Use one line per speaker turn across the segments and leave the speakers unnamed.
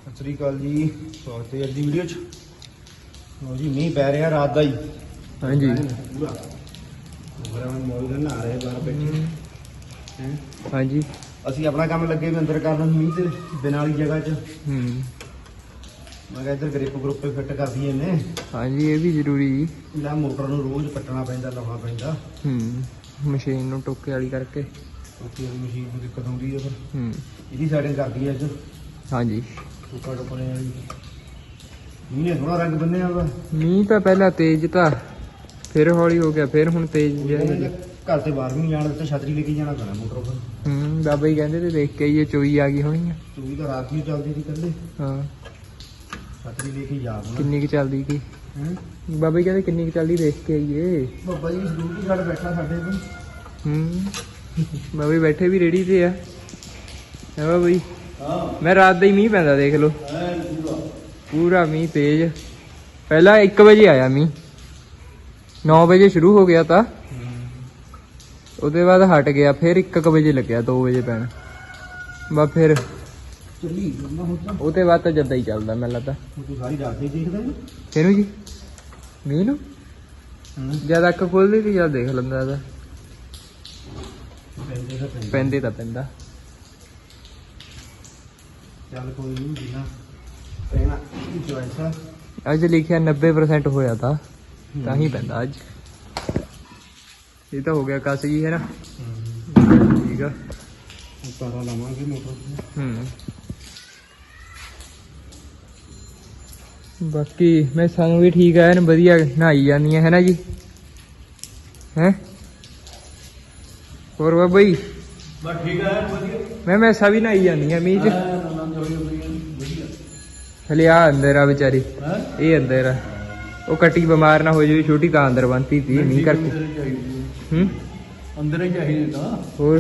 ਸਤਿ ਸ੍ਰੀ ਅਕਾਲ ਜੀ, ਸਵਾਗਤ ਹੈ ਅੱਜ ਦੀ ਵੀਡੀਓ 'ਚ। ਲਓ ਜੀ, ਮੀਂਹ ਪੈ ਰਿਹਾ ਰਾਤ ਦਾ ਹੀ।
ਹਾਂਜੀ
ਪੂਰਾ ਬਰਾਬਰ ਮੌਲ ਦਾ ਨਹਾ ਰਹੇ ਬਾਹਰ ਬੈਠੇ ਹੈ।
ਹਾਂਜੀ
ਅਸੀਂ ਆਪਣਾ ਕੰਮ ਲੱਗੇ ਵੀ ਅੰਦਰ ਕਰਨ ਮੀਂਹ ਤੇ ਬਿਨਾਂ ਵਾਲੀ ਜਗ੍ਹਾ 'ਚ। ਮੈਂ ਕਿਹਾ ਇੱਧਰ ਗ੍ਰਿਪ ਗਰੁੱਪ ਫਿੱਟ ਕਰ ਦਈਏ ਨੇ।
ਹਾਂਜੀ ਇਹ ਵੀ ਜ਼ਰੂਰੀ ਜੀ।
ਇਹਦਾ ਮੋਟਰ ਨੂੰ ਰੋਜ਼ ਪੱਟਣਾ ਪੈਂਦਾ, ਲਾਉਣਾ ਪੈਂਦਾ।
ਮਸ਼ੀਨ ਨੂੰ ਟੋਕੇ ਵਾਲੀ ਕਰਕੇ
ਉੱਥੇ ਮਸ਼ੀਨ ਨੂੰ ਦਿੱਕਤ ਆਉਂਦੀ ਹੈ, ਫਿਰ ਇਹਦੀ ਸੈਟਿੰਗ ਕਰਦੀ ਹੈ ਅੱਜ।
ਹਾਂਜੀ
ਟੋਕਾ ਟੋਕਣੇ ਵਾਲੀ ਮੀਂਹ ਨੇ ਥੋੜਾ ਰੰਗ ਬੰਨਿਆ ਵਾ।
ਮੀਂਹ ਤਾਂ ਪਹਿਲਾਂ ਤੇਜ਼ ਤਾਂ ਫਿਰ ਹੌਲੀ ਹੋ ਗਿਆ, ਫਿਰ ਹੁਣ ਤੇਜ਼ ਜਿਹਾ ਹੋ ਗਿਆ।
ਘਰ ਤੇ ਬਾਹਰ ਵੀ ਨਹੀਂ ਜਾਣ ਦਿੱਤਾ, ਛਤਰੀ ਲੈ ਕੇ ਜਾਣਾ ਪੈਣਾ ਮੋਟਰ ਪਰ।
ਬਾਬਾ ਜੀ ਕਹਿੰਦੇ ਤੇ ਦੇਖ ਕੇ ਆਈਏ, ਚੋਈ ਆ ਗਈ ਹੋਣੀ ਆ।
ਚੋਈ ਤਾਂ ਰਾਤ ਨੂੰ ਚੱਲਦੀ ਸੀ ਕੱਲੇ।
ਹਾਂ
ਛਤਰੀ ਲੈ ਕੇ ਜਾ
ਕਿੰਨੀ ਕੁ ਚੱਲਦੀ ਕੀ ਬਾਬਾ ਜੀ ਕਹਿੰਦੇ ਕਿੰਨੀ ਕੁ ਚੱਲਦੀ ਦੇਖ ਕੇ ਆਈਏ।
ਬਾਬਾ ਜੀ ਸਿਕਿਉਰਿਟੀ ਗਾਰਡ ਬੈਠਾ ਸਾਡੇ ਕੋਲ।
ਬਾਬਾ ਜੀ ਬੈਠੇ ਵੀ ਰੇੜੀ ਤੇ ਆ। ਹੈ ਬਾਬਾ ਜੀ। ਮੈਂ ਰਾਤ ਦਾ ਹੀ ਮੀਂਹ ਪੈਂਦਾ ਦੇਖ ਲਓ, ਪੂਰਾ ਮੀਂਹ ਤੇਜ਼। ਪਹਿਲਾਂ 1 ਵਜੇ ਆਇਆ ਮੀਂਹ, 9 ਵਜੇ ਸ਼ੁਰੂ ਹੋ ਗਿਆ ਤਾਂ ਉਹਦੇ ਬਾਅਦ ਹਟ ਗਿਆ, ਫਿਰ 1 ਵਜੇ ਲੱਗਿਆ 2 ਵਜੇ ਪੈਣ। ਬਸ ਫਿਰ
ਚੱਲੀ ਜਾਂਦਾ ਹੁਣ ਤਾਂ।
ਉਹਦੇ ਬਾਅਦ ਤਾਂ ਜਦਾਂ ਹੀ ਚੱਲਦਾ ਮੈਨੂੰ ਲੱਗਦਾ।
ਤੂੰ ਸਾਰੀ ਰਾਤ ਹੀ ਦੇਖਦਾ ਹੈ
ਕਿਹਨੂੰ ਜੀ? ਮੀਂਹ ਨੂੰ ਜਦ ਅੱਖ ਖੋਲਦੀ ਸੀ ਜਦ ਦੇਖ ਲੈਂਦਾ ਇਹਦਾ। ਪੈਂਦੇ ਤਾਂ ਪੈਂਦਾ।
ਚੱਲ ਕੋਈ ਨਹੀਂ, ਜਿੰਨਾ ਪੈਣਾ ਚੋਇਸ ਆ।
ਅੱਜ ਲਿਖਿਆ 90% ਹੋਇਆ ਤਾਂ ਹੀ ਪੈਂਦਾ ਅੱਜ। ਇਹ ਤਾਂ ਹੋ ਗਿਆ ਕਸ ਜੀ, ਹੈ ਨਾ? ਠੀਕ ਆ।
ਤਾਰਾ ਲਾਵਾਂਗੇ ਮੋਟਰ
ਬਾਕੀ ਮੈਂ ਸਾਨੂੰ ਵੀ ਠੀਕ ਆ, ਵਧੀਆ ਨਹਾਈ ਜਾਂਦੀਆਂ ਹੈ ਨਾ ਜੀ। ਹੈ ਹੋਰ ਬਾਬਾ ਜੀ?
ਬਸ ਠੀਕ ਆ, ਵਧੀਆ।
ਮੈਂ ਸਾ ਵੀ ਨਹਾਈ ਜਾਂਦੀਆਂ ਮੀਂਹ ਚ। ਹਲੇ ਆ ਅੰਦਰ ਆ ਵਿਚਾਰੀ, ਇਹ ਅੰਦਰ ਆ। ਉਹ ਕੱਟੀ ਬਿਮਾਰ ਨਾ ਹੋ ਜਾਵੇ ਛੋਟੀ, ਤਾਂ ਅੰਦਰ ਬੰਨਤੀ ਤੀ ਮੀਂਹ ਕਰਕੇ।
ਅੰਦਰ ਹੀ ਚਾਹੀਦੇ ਤਾਂ।
ਹੋਰ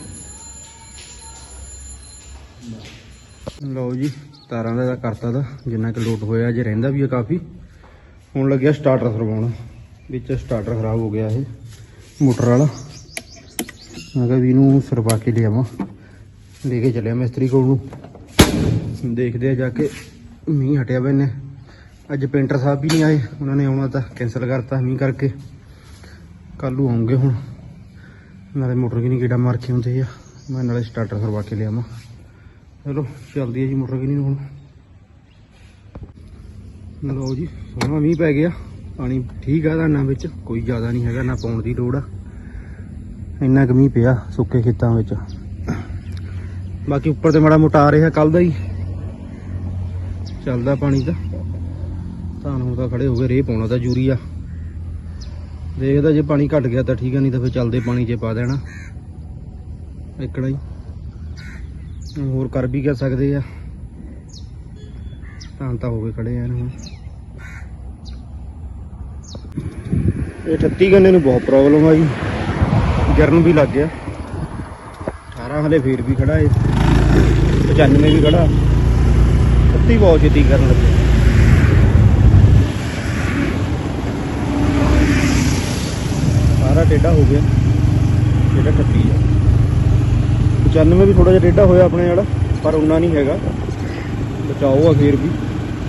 ਲਓ ਜੀ, ਤਾਰਾਂ ਦਾ ਕਰਤਾ ਦਾ ਜਿੰਨਾ ਕਿ ਲੋਡ ਹੋਇਆ, ਜੇ ਰਹਿੰਦਾ ਵੀ ਹੈ ਕਾਫੀ। ਹੁਣ ਲੱਗਿਆ ਸਟਾਰਟਰ ਸਰਵਾਉਣ, ਵਿੱਚ ਸਟਾਰਟਰ ਖਰਾਬ ਹੋ ਗਿਆ ਇਹ ਮੋਟਰ ਵਾਲਾ। ਮੈਂ ਕਿਹਾ ਵੀ ਇਹਨੂੰ ਸਰਵਾ ਕੇ ਲਿਆਵਾਂ, ਲੈ ਕੇ ਚੱਲਿਆ ਮਿਸਤਰੀ ਕੋਲ ਨੂੰ। ਦੇਖਦੇ ਆ ਜਾ ਕੇ। ਮੀਂਹ ਹਟਿਆ ਵਾ, ਇਹਨੇ ਅੱਜ ਪੇਂਟਰ ਸਾਹਿਬ ਵੀ ਨਹੀਂ ਆਏ, ਉਹਨਾਂ ਨੇ ਆਉਣਾ ਤਾਂ ਕੈਂਸਲ ਕਰਤਾ ਮੀਂਹ ਕਰਕੇ। ਕੱਲ੍ਹ ਨੂੰ ਆਉਂਗੇ ਹੁਣ, ਨਾਲੇ ਮੋਟਰ ਕਿ ਨਹੀਂ ਕੀੜਾ ਮਾਰ ਕੇ ਹੁੰਦੇ ਆ, ਮੈਂ ਨਾਲੇ ਸਟਾਰਟਰ ਸਰਵਾ ਕੇ ਲਿਆਵਾਂ। ਚਲੋ ਚੱਲਦੀ ਹੈ ਜੀ ਮੋਟਰ ਕਿਨੀ ਨੂੰ ਹੁਣ। ਲਓ ਜੀ, ਸੋਹਣਾ ਮੀਂਹ ਪੈ ਗਿਆ, ਪਾਣੀ ਠੀਕ ਆ ਧਾਨਾਂ ਵਿੱਚ, ਕੋਈ ਜ਼ਿਆਦਾ ਨਹੀਂ ਹੈਗਾ, ਨਾ ਪਾਉਣ ਦੀ ਲੋੜ ਆ। ਇੰਨਾ ਕੁ ਮੀਂਹ ਪਿਆ ਸੁੱਕੇ ਖੇਤਾਂ ਵਿੱਚ। ਬਾਕੀ ਉੱਪਰ ਤੇ ਮਾੜਾ ਮੋਟਾ ਆ ਰਿਹਾ, ਕੱਲ ਦਾ ਹੀ ਚੱਲਦਾ ਪਾਣੀ ਤਾਂ। ਧਾਨ ਹੁਣ ਤਾਂ ਖੜੇ ਹੋ ਗਏ, ਰੇਹ ਪਾਉਣਾ ਤਾਂ ਯੂਰੀਆ। ਦੇਖਦਾ ਜੇ ਪਾਣੀ ਘਟ ਗਿਆ ਤਾਂ ਠੀਕ ਆ, ਨਹੀਂ ਤਾਂ ਫਿਰ ਚੱਲਦੇ ਪਾਣੀ 'ਚ ਪਾ ਦੇਣਾ ਇੱਕੜਾ ਹੀ। ਹੋਰ ਕਰ ਵੀ ਕਹਿ ਸਕਦੇ ਆ, ਧਾਨ ਤਾਂ ਹੋ ਗਏ ਖੜੇ ਆ ਹੁਣ। ਇਹ 38 ਗੰਨੇ ਨੂੰ ਬਹੁਤ ਪ੍ਰੋਬਲਮ ਆ ਜੀ, ਗਿਰਨ ਵੀ ਲੱਗ ਗਿਆ। 18 ਹਲੇ ਫੇਰ ਵੀ ਖੜਾ ਏ, 95 ਵੀ ਖੜਾ। 38 ਬਹੁਤ ਛੇਤੀ ਕਰਨ ਲੱਗੇ। ਸਾਰਾ ਟੇਢਾ ਹੋ ਗਿਆ, ਜਿਹੜਾ 38 ਆ। 95 ਵੀ ਥੋੜਾ ਜਿਹਾ ਟੇਢਾ ਹੋਇਆ ਆਪਣੇ ਵਾਲਾ, ਪਰ ਉਨਾ ਨਹੀਂ ਹੈਗਾ। ਬਚਾਓ ਆ ਫੇਰ ਵੀ,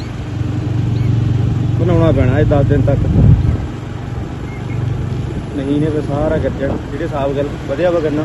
ਬਣਾਉਣਾ ਪੈਣਾ ਇਹ 10 ਦਿਨ ਤੱਕ, ਨਹੀਂ ਨੇ ਫਿਰ ਸਾਰਾ ਗੱਜਣ। ਜਿਹੜੇ ਹਿਸਾਬ ਗੱਲ ਵਧਿਆ ਵਾ ਕਰਨਾ,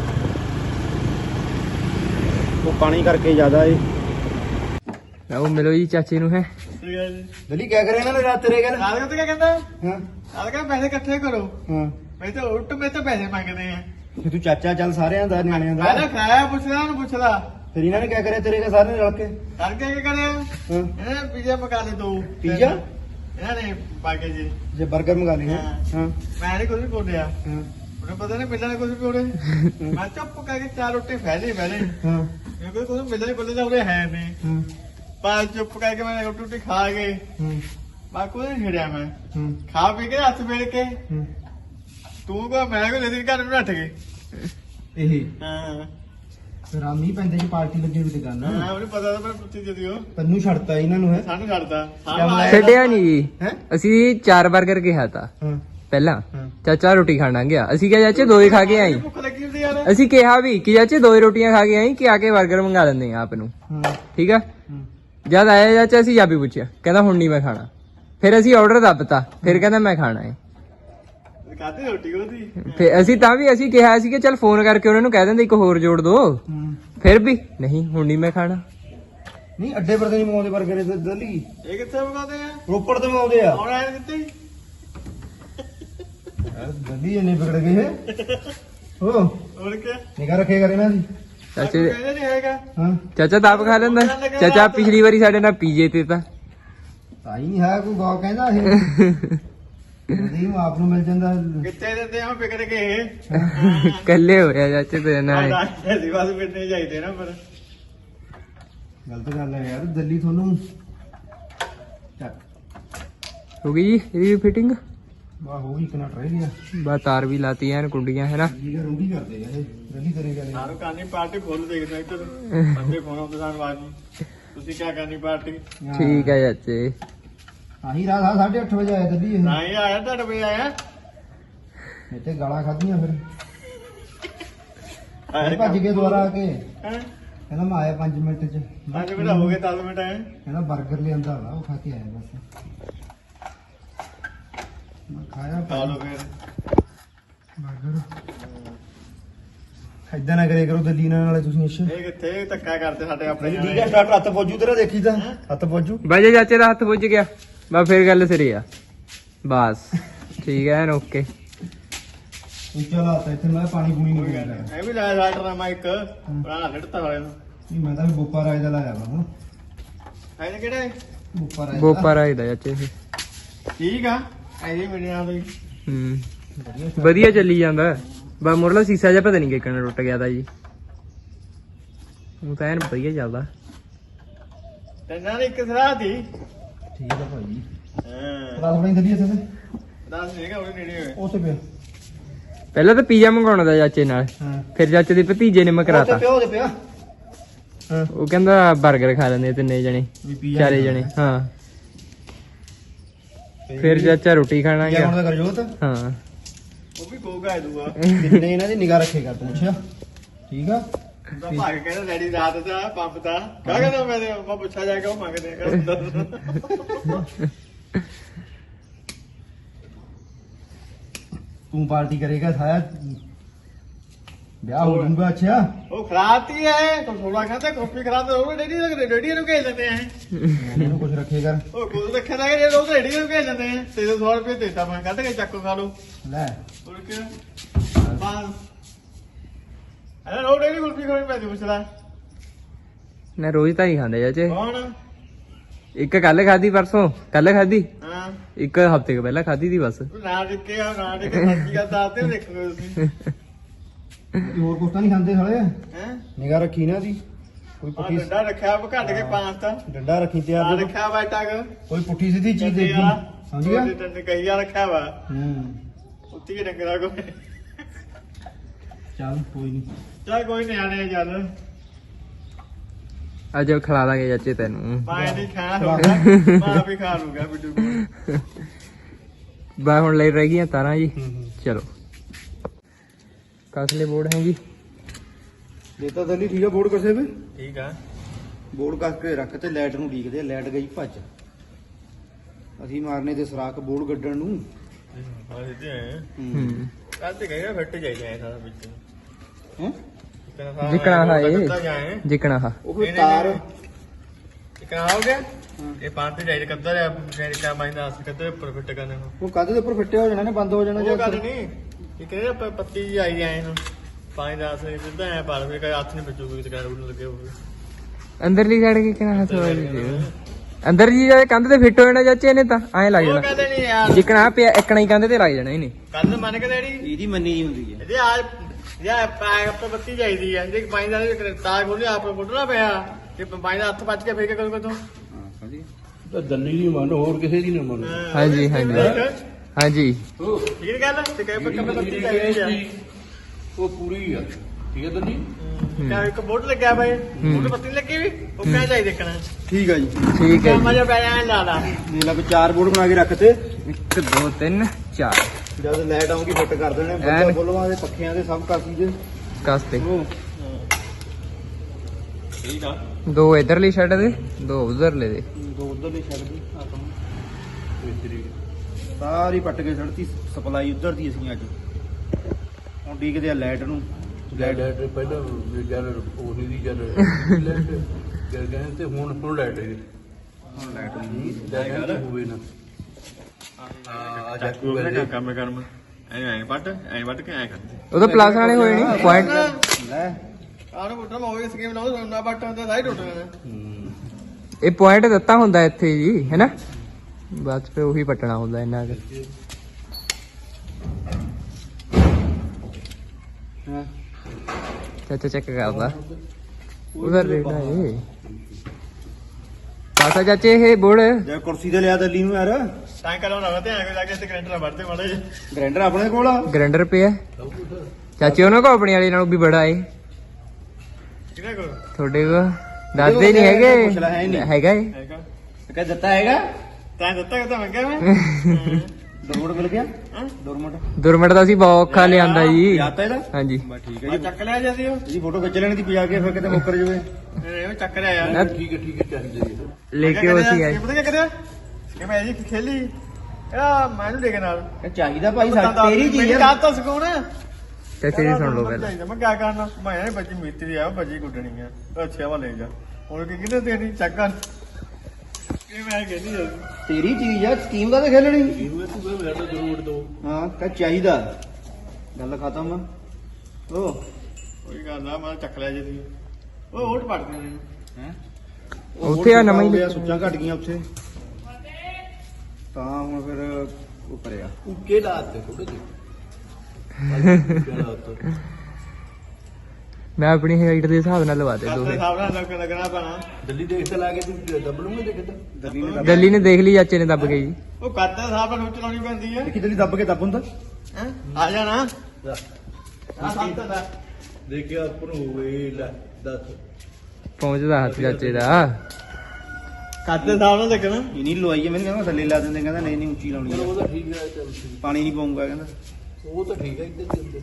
ਉਹ ਪਾਣੀ ਕਰਕੇ ਜ਼ਿਆਦਾ ਏ।
ਆਓ ਮਿਲੋ ਜੀ ਚਾਚੇ ਨੂੰ। ਹੈ
ਦਲੀ ਕਿਆ ਕਰੇ ਇਹਨਾਂ ਨੇ ਰਾਤ ਤੇਰੇ ਗੱਲ?
ਆਲਗਾ ਤਾਂ ਕਹਿੰਦਾ
ਹਾਂ
ਆਲਗਾ ਪੈਸੇ ਇਕੱਠੇ ਕਰੋ।
ਹਾਂ,
ਮੈਂ ਤਾਂ ਉਲਟ ਮੈਂ ਤਾਂ ਪੈਸੇ ਮੰਗਦੇ ਆ।
ਫਿਰ ਤੂੰ ਚਾਚਾ ਚੱਲ ਸਾਰਿਆਂ ਦਾ, ਨਿਆਣਿਆਂ
ਮੈਂ ਤਾਂ
ਦਾ।
ਖਾਇਆ ਪੁੱਛਦਾ ਉਹਨੂੰ ਪੁੱਛਦਾ
ਫਿਰ ਇਹਨਾਂ ਨੇ ਕਿਆ ਕਰਿਆ ਤੇਰੇ ਕੇ ਸਾਰੇ ਰਲ ਕੇ?
ਕਰਕੇ ਕੀ ਕਰਿਆ?
ਹਾਂ,
ਇਹਨੇ ਪੀਜ਼ਾ ਪਕਾ ਲੈ 2
ਪੀਜ਼ਾ?
ਇਹਨਾਂ ਨੇ ਪਾਕੇ ਜੀ।
ਜੇ 버ਗਰ ਮੰਗਾ ਲਏ। ਹਾਂ
ਮੈਂ ਨਹੀਂ ਕੁਝ ਵੀ ਬੋਲਿਆ,
ਹਾਂ
ਉਹਨੂੰ ਪਤਾ ਨਹੀਂ ਮਿਲਣਾ ਕੁਝ ਵੀ ਉਹਨੇ। ਮੈਂ ਚੁੱਪ ਕਰਕੇ 4 ਰੋਟੀ ਫੈਲੀ ਮੈਨੇ,
ਹਾਂ
ਮੇਰੇ ਕੋਲ ਕੁਝ ਮਿਲਣਾ ਬੋਲੇ ਤਾਂ ਉਹਦੇ ਹੈ ਨਹੀਂ।
ਹਾਂ
ਪਰ ਚੁੱਪ ਕਰਕੇ ਮੈਂ ਰੋਟੀ ਖਾ ਕੇ ਮੈਂ ਕੋਈ ਨਹੀਂ ਛੜਿਆ। ਮੈਂ
ਹਾਂ
ਖਾ ਪੀ ਕੇ ਹੱਥ ਫੇਰ ਕੇ ਤੂੰ ਕੋ ਮੈਂ ਕੋ ਲੈਦੀ ਘਰ ਨੂੰ ਨੱਠ ਗਏ।
ਇਹ
ਹਾਂ
ਫਿਰ ਆ ਮੀਂਹ ਪੈਂਦੇ ਚ ਪਾਰਟੀ ਲੱਗੀ ਹੋਈ ਦੁਕਾਨ।
ਹਾਂ ਉਹਨੂੰ ਪਤਾ ਤਾਂ ਮੈਂ ਪੁੱਛੀ ਜਦੀ ਉਹ
ਤੈਨੂੰ ਛੱਡਤਾ ਇਹਨਾਂ ਨੂੰ ਹੈ।
ਸਾਨੂੰ ਛੱਡਦਾ।
ਛੱਡਿਆ ਨਹੀਂ ਜੀ,
ਹੈ।
ਅਸੀਂ 4 버ਗਰ ਕਿਹਾ ਤਾ
ਹਾਂ
ਪਹਿਲਾਂ।
ਹਾਂ
ਚਾਚਾ ਰੋਟੀ ਖਾਣਾ ਗਿਆ, ਅਸੀਂ ਕਿਹਾ ਚਾਚੇ 2 ਹੀ ਖਾ ਕੇ ਆਈ।
ਭੁੱਖ ਲੱਗੀ ਹੁੰਦੀ ਯਾਰ।
ਅਸੀਂ ਕਿਹਾ ਵੀ ਕਿ ਚਾਚੇ 2 ਹੀ ਰੋਟੀਆਂ ਖਾ ਕੇ ਆਈ, ਕਿ ਆ ਕੇ 버ਗਰ ਮੰਗਾ ਲੈਂਦੇ ਆ ਆਪ ਨੂੰ।
ਹਾਂ
ਠੀਕ ਆ। ਜਦ ਆਇਆ ਚਾਚਾ ਅਸੀਂ ਜਾਬੀ ਪੁੱਛਿਆ, ਕਹਿੰਦਾ ਹੁਣ ਨਹੀਂ ਮੈਂ ਖਾਣਾ। ਫਿਰ ਅਸੀਂ ਆਰਡਰ ਦੱਬਤਾ, ਫਿਰ ਕਹਿੰਦਾ ਮੈਂ ਖਾਣਾ ਹੈ।
ਖਾਦੀ ਰੋਟੀ ਉਹਦੀ।
ਫਿਰ ਅਸੀਂ ਤਾਂ ਵੀ ਅਸੀਂ ਕਿਹਾ ਸੀ ਕਿ ਚੱਲ ਫੋਨ ਕਰਕੇ ਉਹਨਾਂ ਨੂੰ ਕਹਿ ਦਿੰਦੇ ਇੱਕ ਹੋਰ ਜੋੜ ਦੋ, ਫਿਰ ਵੀ ਨਹੀਂ ਹੁਣ ਨਹੀਂ ਮੈਂ ਖਾਣਾ।
ਨਹੀਂ ਅੱਡੇ ਪਰ ਤੇ ਨਹੀਂ ਮੰਗਾਉਂਦੇ 버ਗਰ ਇਹ ਦਿੱਲੀ।
ਇਹ ਕਿੱਥੇ ਮੰਗਾਉਂਦੇ ਆ?
ਰੋਪੜ ਤੇ ਮੰਗਾਉਂਦੇ ਆ।
ਆਨਲਾਈਨ ਕਿੱਥੇ?
ਦਿੱਲੀ ਇੰਨੇ ਵਿਗੜ ਗਏ ਹੈ। ਹੋ
ਹੋਰ ਕੀ?
ਨਿਗਾਹ ਰੱਖੇ ਕਰੇ ਨਾ ਜੀ।
ਚਾਚੇ
ਕਹਿੰਦੇ ਨਹੀਂ ਹੈਗਾ।
ਹਾਂ
ਚਾਚਾ ਤਾਂ ਆਪ ਖਾ ਲੈਂਦਾ। ਚਾਚਾ ਪਿਛਲੀ ਵਾਰੀ ਸਾਡੇ ਨਾਲ ਪੀਜੇ ਤੇ ਤਾਂ
ਤਾਂ ਹੀ ਨਹੀਂ ਹੈ ਕੋਈ ਗਾਉ ਕਹਿੰਦਾ ਇਹ ਜੀ ਆਪ ਨੂੰ ਮਿਲ ਜਾਂਦਾ।
ਕਿੱਥੇ ਦਿੰਦੇ ਆ ਵਿਗੜ ਗਏ ਇਹ?
ਕੱਲੇ ਹੋਇਆ ਚਾਚੇ ਤੇ ਨਾਲ
ਦੀ ਬਸ ਮਿਲਣੇ ਚਾਹੀਦੇ ਨਾ ਪਰ।
ਗਲਤ ਗੱਲ ਹੈ ਯਾਰ ਦਿੱਲੀ ਤੁਹਾਨੂੰ। ਚੱਕ
ਹੋ ਗਈ ਜੀ ਇਹਦੀ ਵੀ ਫਿਟਿੰਗ।
ਵਾਹ ਹੋ ਗਈ ਕਿਨਾ ਟਰੇ ਗਿਆ।
ਬਾ ਤਾਰ ਵੀ ਲਾਤੀ ਐਨ ਕੁੰਡੀਆਂ ਹੈ ਨਾ।
ਇਹ ਰੂੜੀ ਕਰਦੇ ਆ ਇਹ ਦਿੱਲੀ ਕਰੇਗਾ ਇਹ।
ਸਾਨੂੰ ਕਰਨੀ ਪਾਰਟੀ ਖੋਲ ਦੇਖਦਾ ਇੱਧਰ ਬੰਦੇ ਫੋਨ ਆਉਂਦੇ ਸਾਨੂੰ ਆਵਾਜ਼ ਨਹੀਂ। ਤੁਸੀਂ ਕੀ ਕਰਨੀ ਪਾਰਟੀ?
ਠੀਕ ਹੈ ਚਾਚੇ।
ਆਹੀ ਰਾਤ 8:30 ਵਜੇ ਆਇਆ ਦਿੱਲੀ ਇਹ।
ਨਾ ਹੀ ਆਇਆ ਤੁਹਾਡੇ ਕੋਲ ਆਇਆ।
ਇੱਥੇ ਗਾਲਾਂ ਖਾਧੀਆਂ ਫਿਰ ਭੱਜ ਕੇ ਦੁਬਾਰਾ ਆ ਕੇ
ਹੈਂ?
ਕਹਿੰਦਾ ਮੈਂ ਆਇਆ 5 ਮਿੰਟ ਚ।
5 ਮਿੰਟ ਹੋ ਗਏ 10 ਮਿੰਟ ਆਏ।
ਕਹਿੰਦਾ 버ਗਰ ਲਿਆਂਦਾ ਵਾ ਉਹ ਖਾ ਕੇ ਆਇਆ ਬਸ। ਮੈਂ ਖਾਇਆ
ਖਾ ਲਓ ਫਿਰ।
버ਗਰ। ਏਦਾਂ ਨਾ ਕਰੇ ਕਰੋ ਦਿੱਲੀ ਨਾਲ ਵਾਲੇ ਤੁਸੀਂ ਇਸ਼।
ਇਹ ਕਿੱਥੇ ਧੱਕਾ ਕਰਦੇ ਸਾਡੇ ਆਪਣੇ
ਠੀਕ ਹੈ ਸਟਾਰਟ ਹੱਥ ਪੋਜੂ ਤੇਰਾ ਦੇਖੀ ਤਾਂ ਹੱਥ ਪੋਜੂ।
ਬਾਜੇ ਚਾਚੇ ਦਾ ਹੱਥ ਪੁੱਜ ਗਿਆ। ਬਾ ਫਿਰ ਗੱਲ ਸਿਰੇ ਆ ਬਸ। ਠੀਕ ਹੈ ਓਕੇ।
ਉੱਚਾ ਲਾਤਾ ਇੱਥੇ ਮੈਂ ਪਾਣੀ ਪੂਣੀ ਨਹੀਂ ਪੀਂਦਾ।
ਇਹ ਵੀ ਲਾਇਆ ਰਾਈਟਰ ਮੈਂ ਇੱਕ ਪੁਰਾਣਾ ਫਿੱਟਤਾ ਵਾਲੇ ਨੂੰ।
ਨਹੀਂ ਮੈਂ ਤਾਂ ਵੀ ਬੋਪਾ ਰਾਜ ਦਾ ਲਾਇਆ ਵਾ ਹੁਣ।
ਇਹਨੇ ਕਿਹੜਾ ਹੈ?
ਬੋਪਾ ਰਾਜ ਦਾ।
ਗੋਪਾ ਰਾਜ ਦਾ ਚਾਚੇ ਇਹ।
ਠੀਕ ਆ ਇਹਦੇ ਮੇਰੇ ਨਾਲ ਹੀ।
ਵਧੀਆ ਚੱਲੀ ਜਾਂਦਾ। ਬਾ ਮੁਰਲਾ ਸੀਸਾ ਜਿਹਾ ਪਤਾ ਨਹੀਂ ਕਿੱਕਣ ਟੁੱਟ ਗਿਆ ਤਾਂ ਜੀ। ਉਹ ਤਾਂ ਐਨ ਵਧੀਆ ਚੱਲਦਾ।
ਤੇ ਨਾਲ ਇੱਕ ਸਲਾਹ ਦੀ।
ਠੀਕ ਆ ਭਾਈ।
ਹਾਂ
ਰਾਤ ਬਣੀ ਦਿੱਲੀ ਇੱਥੇ ਤੇ
ਦੱਸ ਨਹੀਂਗਾ ਉਹਦੇ ਨੇੜੇ ਹੋਏ।
ਉੱਥੇ ਪਿਆ।
ਪਹਿਲਾਂ ਤਾਂ ਪੀਜ਼ਾ ਮੰਗਾਉਣਾ ਦਾ ਚਾਚੇ ਨਾਲ।
ਹਾਂ
ਫਿਰ ਚਾਚੇ ਦੇ ਭਤੀਜੇ ਨੇ ਮਕਰਾਤਾ।
ਉੱਥੇ ਪਿਆ ਉਹਦੇ ਪਿਆ। ਹਾਂ
ਉਹ ਕਹਿੰਦਾ 버ਗਰ ਖਾ ਲੈਂਦੇ ਤਿੰਨੇ ਜਣੇ
ਵੀ ਪੀਜ਼ਾ
ਚਾਰੇ ਜਣੇ। ਹਾਂ ਫਿਰ ਚਾਚਾ ਰੋਟੀ ਖਾਣਾ
ਕੀ
ਗਿਆ।
ਹੁਣ ਦਾ ਕਰਜੋਤ
ਹਾਂ
ਉਹ ਵੀ ਕੋਗਾ ਹੈ ਦੂਆ।
ਕਿੰਨੇ ਇਹਨਾਂ ਦੀ ਨਿਗਾਹ ਰੱਖੇਗਾ ਤੂੰ ਅੱਛਾ ਠੀਕ ਆ।
ਉਹਦਾ ਭਾਗ ਕਹਿੰਦਾ ਡੈਡੀ ਰਾਤ ਦਾ ਪੰਪ ਦਾ ਕਾ ਕਹਿੰਦਾ ਮੈਂ ਪੁੱਛਿਆ ਜਾਏਗਾ ਉਹ ਮੰਗਦੇ ਆ।
ਤੂੰ ਪਾਰਟੀ ਕਰੇਗਾ ਸਾਇਆ ਵਿਆਹ ਹੋ ਜਾਊਗਾ ਅੱਛਾ।
ਉਹ ਖਰਾਬਤੀ ਹੈ तो थोड़ा कहते कॉफी खराब तो रेडी ਨੂੰ भेज लेते हैं।
ਇਹਨੂੰ ਕੁਝ ਰੱਖੇਗਾ।
ਉਹ ਕੁਝ ਰੱਖਿਆ ਤਾਂ ਜੇ ਉਹ रेडी ਨੂੰ भेज लेते हैं। 300 रुपए देता मैं कहते कि ਚੱਕੋ ਖਾ ਲਓ।
ਲੈ
और क्या बस अरे रोड रेडी कुल्फी खानी पैदी पुछला
ਨਾ ਰੋਜ਼ ਤਾਂ ਹੀ ਖਾਂਦੇ ਚਾਚੇ।
कौन?
ਇੱਕ ਕੱਲ ਖਾਦੀ ਪਰਸੋਂ ਕੱਲ ਖਾਦੀ।
हाँ
ਇੱਕ ਹਫਤੇ ਪਹਿਲਾਂ ਖਾਦੀ ਦੀ ਬਸ।
ਨਾ ਦਿੱਕੇ ਨਾ ਦਿੱਕੇ ਸੱਚੀ ਗੱਲ ਦੱਸਦੇ ਦੇਖੋ ਤੁਸੀਂ
ਹੋਰ ਕੁਛ ਤਾਂ ਨਹੀਂ ਖਾਂਦੇ ਸਾਲੇ।
ਹੈ।
ਨਿਗਾਹ ਰੱਖੀ ਨਾ ਦੀ ਕੋਈ
ਆ
ਪੁੱਠੀ
ਡੰਡਾ ਰੱਖਿਆ ਵਾ ਘੱਟ ਕੇ ਪੰਜ ਤਾਂ
ਡੰਡਾ ਰੱਖੀ
ਆ
ਤਿਆਰ
ਰੱਖਿਆ ਵਾ ਟੱਗ
ਕੋਈ ਪੁੱਠੀ ਸਿੱਧੀ ਚੀਜ਼ ਦੇਖੀ ਸਮਝ ਗਿਆ।
ਡੰਡੇ ਕਈਆ ਰੱਖਿਆ ਵਾ ਉੱਤੀ ਡੰਗਰਾ ਕੋਈ
ਚੱਲ ਕੋਈ ਨਹੀਂ।
ਚੱਲ ਕੋਈ ਨਿਆਣੇ ਚੱਲ
ਅੱਜ ਖਿਲਾ ਦਾਂਗੇ ਚਾਚੇ ਤੈਨੂੰ।
ਮੈਂ ਨਹੀਂ ਖਾਣਾ ਹੋਗਾ ਮੈਂ ਵੀ ਖਾ ਲੂਗਾ ਬਿੱਟੂ ਕੋਲ।
ਬਾ ਹੁਣ ਲੈ ਰਹਿ ਗਈਆਂ ਤਾਰਾਂ ਜੀ। ਚਲੋ ਕਸਲੇ ਬੋਰਡ ਹੈ ਜੀ।
ਦੇਤਾ ਦਿੱਲੀ ਠੀਕ ਆ ਬੋਰਡ ਕਸੇ ਵੀ
ਠੀਕ ਆ
ਬੋਰਡ ਕੱਸ ਕੇ ਰੱਖ ਤੇ ਲਾਈਟ ਨੂੰ ਡੀਕਦੇ ਲਾਈਟ ਗਈ ਭੱਜ। ਅਸੀਂ ਮਾਰਨੇ ਤੇ ਸਰਾਖ ਬੋਰਡ ਗੱਡਣ ਨੂੰ।
ਹਾਂ ਸਿੱਧੇ ਆਏ
ਹੂੰ
ਕੱਲ ਤੇ ਗਏ ਫਿੱਟ ਜਾਈਦਾ ਐ ਸਾਰਾ ਵਿੱਚ
ਹੈ
ਜਿਕਣਾ ਹਾਂ ਇਹ
ਜਾਏ
ਜਿਕਣਾ ਹਾਂ।
ਉਹ ਫਿਰ ਤਾਰ
ਕਿਆ ਹੋ ਗਿਆ ਇਹ ਪੰਜ ਤੇ ਜਾਈਦਾ ਕੱਦਰ ਆ ਮੇਰੇ ਕਾ ਮਾਈਂਦਾ ਅਸ ਕੱਦਰ ਉੱਪਰ ਫਿੱਟ ਕਰਨੇ ਨੂੰ
ਉਹ ਕਾਹਦੇ ਦੇ ਉੱਪਰ ਫਿੱਟੇ ਹੋ ਜਾਣਾ ਨੇ ਬੰਦ ਹੋ ਜਾਣਾ
ਉਹ ਗੱਲ ਨਹੀਂ ਇਹ ਕਹਿੰਦੇ ਆਪਾਂ ਪੱਤੀ ਜੀ ਆਈ ਜਾਏ ਨੂੰ 5-10 ਸਿੱਧਾ ਐ ਪਾ ਲਵੇ ਕੋਈ ਹੱਥ ਨਹੀਂ ਬਚੂਗੀ ਤੇ ਕਹਿੰਦਾ ਲੱਗੇ ਹੋਵੇ
ਅੰਦਰਲੀ ਸਾਈਡ ਕਿਕਣਾ ਹੱਥ ਅੰਦਰ ਜੀ ਜੇ ਕੰਧ ਤੇ ਫਿੱਟ ਹੋ ਜਾਣਾ ਚਾਚੇ ਨੇ ਤਾਂ ਐਂ ਲੱਗ
ਉਹ
ਜਾਣਾ।
ਕਹਿੰਦੇ ਨਹੀਂ ਯਾਰ
ਜਿਕਣਾ ਪਿਆ ਇੱਕਣਾ ਹੀ ਕੰਧ ਤੇ ਲੱਗ ਜਾਣਾ ਇਹਨੇ।
ਕੱਲ ਮੰਨ ਕੇ ਡੈਡੀ
ਇਹਦੀ ਮੰਨੀ ਨਹੀਂ ਹੁੰਦੀ ਹੈ।
ਇਹਦੇ ਆ ਜਾਂ ਪਾਇ ਉੱਪਰ ਬੱਤੀ ਚਾਹੀਦੀ ਆ ਜੇ ਪਾਣੀ ਦਾ ਤਾਰ ਖੋਲੀ ਆਪ ਬੁੱਢਣਾ ਪਿਆ ਜੇ ਪਾਣੀ ਦਾ ਹੱਥ ਬਚ ਕੇ ਫੇਰ ਕੇ ਕਰੂਗਾ ਤੂੰ।
ਹਾਂ ਸਮਝੀ ਤਾਂ ਦਿੱਲੀ ਦੀ ਮੰਨ ਹੋਰ ਕਿਸੇ ਦੀ ਨਾ ਮੰਨ।
ਹਾਂਜੀ ਹਾਂਜੀ ਹਾਂਜੀ
ਠੀਕ ਗੱਲ ਤੇ ਕਹੇ ਪੱਕਾ ਬੱਤੀ ਚਾਹੀਦੀ ਆ
ਉਹ ਪੂਰੀ ਆ ਠੀਕ ਹੈ ਦਿੱਲੀ।
ਕਾ ਇੱਕ ਬੋਰਡ ਲੱਗਿਆ ਬਾਈ ਬੋਰਡ ਬੱਤੀ ਲੱਗੀ ਵੀ ਉਹ ਕਿਆ ਚਾਹੀਦਾ ਦੇਖਣਾ
ਠੀਕ ਆ ਜੀ
ਠੀਕ ਹੈ
ਕੰਮ ਜਿਹਾ ਪੈ ਜਾਣਾ ਲਾ ਲਾ
ਇਹ ਲਾ ਵੀ 4 ਬੋਰਡ ਬਣਾ ਕੇ ਰੱਖਤੇ।
1 2 3 4
ਜਦ ਲਾਈਟ ਆਉਂਗੀ ਫਿੱਟ ਕਰ ਦੇਣੇ ਬੱਚਾ ਬੋਲਵਾਂ ਦੇ ਪੱਖਿਆਂ ਦੇ ਸਭ ਕਾਸੀ ਦੇ
ਕਸਤੇ।
ਠੀਕ ਆ
ਦੋ ਇਧਰਲੀ ਸਾਈਡ ਦੇ, ਦੋ ਉਧਰਲੇ ਦੇ।
ਦੋ ਉਧਰਲੇ ਛੱਡ ਦੇ ਆਪਾਂ ਸਾਰੀ ਪੱਟ ਕੇ ਛੱਡਤੀ ਸਪਲਾਈ ਉਧਰ ਦੀ ਅਸੀਂ ਅੱਜ। ਹੁਣ ਡੀਕਦੇ ਆ ਲਾਈਟ ਨੂੰ।
ਲਾਈਟ ਪਹਿਲਾਂ ਜਦ ਉਹਨੀ ਦੀ ਜਦ ਲਾਈਟ ਜਦ ਗਏ ਤੇ ਹੁਣ ਲਾਈਟ ਹੈ।
ਹੁਣ ਲਾਈਟ ਨਹੀਂ
ਲਾਈਟ ਹੋਵੇ ਨਾ
ਚੱਕ ਕੰਮ ਕਰਮ ਐ ਵੱਟ ਕੇ ਐ ਕਰਦੇ
ਉਹਦਾ ਪਲੱਸ ਵਾਲੇ ਹੋਏ ਨਹੀਂ ਪੁਆਇੰਟ।
ਲੈ
ਆਹ ਨੂੰ ਬੁੱਟਾ ਮੋਗੇ ਸਕੀਮ ਲਾਓ ਨਾ ਵੱਟ ਹੁੰਦਾ ਸਾਈ ਟੁੱਟ ਜਾਣਾ।
ਇਹ ਪੁਆਇੰਟ ਦਿੱਤਾ ਹੁੰਦਾ ਇੱਥੇ ਜੀ ਹੈਨਾ, ਬਸ ਫੇ ਉਹੀ ਪੱਟਣਾ ਹੁੰਦਾ ਇੰਨਾ ਕੁ।
ਹਾਂ
ਚਾਚਾ ਚੈੱਕ ਕਰਦਾ ਉਹਦਾ ਰੇਟ ਹੈ ਇਹ ਪਾਸਾ ਚਾਚੇ ਇਹ ਬੋੜ
ਜੇ ਕੁਰਸੀ ਤੇ ਲਿਆ ਦਿੱਲੀ ਨੂੰ ਯਾਰ।
ਸਾਈਕਲ ਲਾਉਣਾ ਤੇ ਐ ਕੋਈ ਲੱਗੇ ਤੇ ਕਰੰਟ ਨਾਲ ਵੱਢਦੇ ਮਾੜੇ ਜਿਹੇ।
ਗ੍ਰਾਈਂਡਰ ਆਪਣੇ ਕੋਲ ਆ।
ਗ੍ਰੈਂਡਰ ਪਿਆ ਚਾਚੇ, ਉਹਨਾਂ ਕੋ ਆਪਣੀ ਵਾਲੀ ਨਾਲੋਂ ਵੀ ਬੜਾ ਏ
ਕਿਹਨੇ ਕੋਲ
ਤੁਹਾਡੇ ਕੋ ਦੱਸਦੇ ਨਹੀਂ ਹੈਗੇ।
ਪੁੱਛ ਲੈ, ਹੈ ਨਹੀਂ।
ਹੈਗਾ ਏ
ਹੈਗਾ
ਕਿ ਦਿੱਤਾ ਹੈਗਾ
ਤੈਂ ਦਿੱਤਾ ਕਿ ਤਾਂ ਮੰਗਿਆ ਮੈਂ
ਡੋਰਮਟ ਮਿਲ ਗਿਆ।
ਹਾਂ
ਡੋਰਮਟ
ਦੁਰਮਟ ਦਾ ਅਸੀਂ ਬਹੁਤ ਔਖਾ ਲਿਆਂਦਾ ਜੀ।
ਯਾਦ ਤਾਂ ਇਹਦਾ
ਹਾਂਜੀ
ਬਸ ਠੀਕ ਹੈ
ਮੈਂ
ਜੀ।
ਚੱਕ ਲਿਆ ਜਾਂਦੀ ਉਹ
ਇਹਦੀ ਫੋਟੋ ਖਿੱਚ ਲੈਣੀ ਦੀ ਪਿਆ ਕੇ ਫਿਰ ਕਿਤੇ ਮੁੱਕਰ ਜਾਵੇ।
ਇਹ ਚੱਕ ਲਿਆ ਯਾਰ
ਠੀਕ ਹੈ ਚਾਹੀਦਾ ਜੀ।
ਲੈ ਕੇ ਉਹ ਸੀ ਆਏ।
ਪਤਾ ਕੀ ਕਰਿਆ ਕਿ ਮੈਂ ਜੀ ਖੇਲੀ ਆ ਮੈਨੂੰ ਲੈ ਕੇ ਨਾਲ
ਇਹ ਚਾਹੀਦਾ ਭਾਈ ਤੇਰੀ ਚੀਜ਼
ਮੇਰੀ
ਆ।
ਗੱਲ ਤਾਂ ਸਕੂਨ
ਚਾਚੇ ਦੀ ਸੁਣ ਲਓ ਪਹਿਲਾਂ।
ਮੈਂ ਕਿਆ ਕਰਨਾ ਮੈਂ ਇਹ ਬੱਜੀ ਮਿੱਤਰੀ ਆ ਬੱਜੀ ਕੁੱਟਣੀ ਆ ਅੱਛਾ ਵਾ ਲੈ ਜਾ ਹੁਣ ਕਿ ਕਿਹਨੇ ਦੇਣੀ ਚੱਕ ਕਰ ਕਿ ਮੈਂ ਕਹਿੰਦੀ ਆ
ਤੇਰੀ ਚੀਜ਼ ਆ, ਸਕੀਮ ਦਾ ਖੇਲਣੀ।
ਇਹਨੂੰ ਤੂੰ ਕਹਿੰਦਾ ਮੇਰਾ ਜ਼ਰੂਰ ਦੋ।
ਹਾਂ ਕਹ ਚਾਹੀਦਾ ਗੱਲ ਖਤਮ। ਉਹ
ਕੋਈ ਗੱਲ ਆ ਮੈਂ ਚੱਕ ਲਿਆ ਜੀ ਉਹ ਓਟ ਪੜਦੇ ਨੇ
ਹੈ
ਉੱਥੇ ਆ ਨਵਾਂ ਹੀ
ਲਿਆ, ਸੁੱਚਾਂ ਘਟ ਗਈਆਂ ਉੱਥੇ ਤਾਂ ਹੁਣ ਫਿਰ ਉਹ ਕਰਿਆ।
ਉੱਕੇ ਲਾਤੇ ਥੋੜੇ ਜਿਹੇ।
ਮੈਂ ਆਪਣੀ ਹਾਈਟ ਦੇ ਹਿਸਾਬ ਨਾਲ ਲਵਾ ਦੇ
ਕੱਤੇ
ਦੋਵੇਂ।
ਸਾਹਮਣੇ ਲੱਗਣਾ ਪੈਣਾ
ਦਿੱਲੀ ਦੇਖ ਤੇ ਲਾ ਕੇ ਤੂੰ ਦਬ ਲੂੰਗਾ ਦੇਖਦਾ।
ਦਿੱਲੀ ਨੇ ਦੱਬ
ਦਿੱਲੀ ਨੇ ਦੇਖ ਲਈ ਚਾਚੇ ਨੇ ਦੱਬ ਗਈ ਜੀ।
ਉਹ ਕੱਤੇ ਸਾਹਮਣੇ ਨੂੰ ਚਲਾਉਣੀ ਪੈਂਦੀ ਹੈ
ਦੇਖੀ ਦਿੱਲੀ ਦੱਬ ਕੇ ਦੱਬ ਹੁੰਦਾ।
ਹੈਂ? ਆ ਜਾਣਾ ਆ ਸੰਤ ਦਾ
ਦੇਖਿਆ ਆਪਣ ਹੋਵੇ ਲੈ ਦੱਸ।
ਪਹੁੰਚਦਾ ਹੱਥ ਚਾਚੇ ਦਾ।
ਕੱਤੇ ਸਾਹਮਣੇ ਦੇਖਣਾ
ਇਹ ਨਹੀਂ ਲਵਾਈ ਹੈ। ਮੈਨੂੰ ਕਹਿੰਦਾ ਥੱਲੇ ਲਾ ਦਿੰਦੇ, ਕਹਿੰਦਾ ਨਹੀਂ ਉੱਚੀ ਲਾਉਣੀ
ਚਲੋ
ਹੈ।
ਉਹ ਤਾਂ ਠੀਕ ਹੈ ਚੱਲ ਠੀਕ।
ਪਾਣੀ ਨਹੀਂ ਪਾਉਂਗਾ ਕਹਿੰਦਾ।
ਉਹ ਤਾਂ ਠੀਕ ਹੈ ਇੱਧਰ ਦੇ ਅੰਦਰ।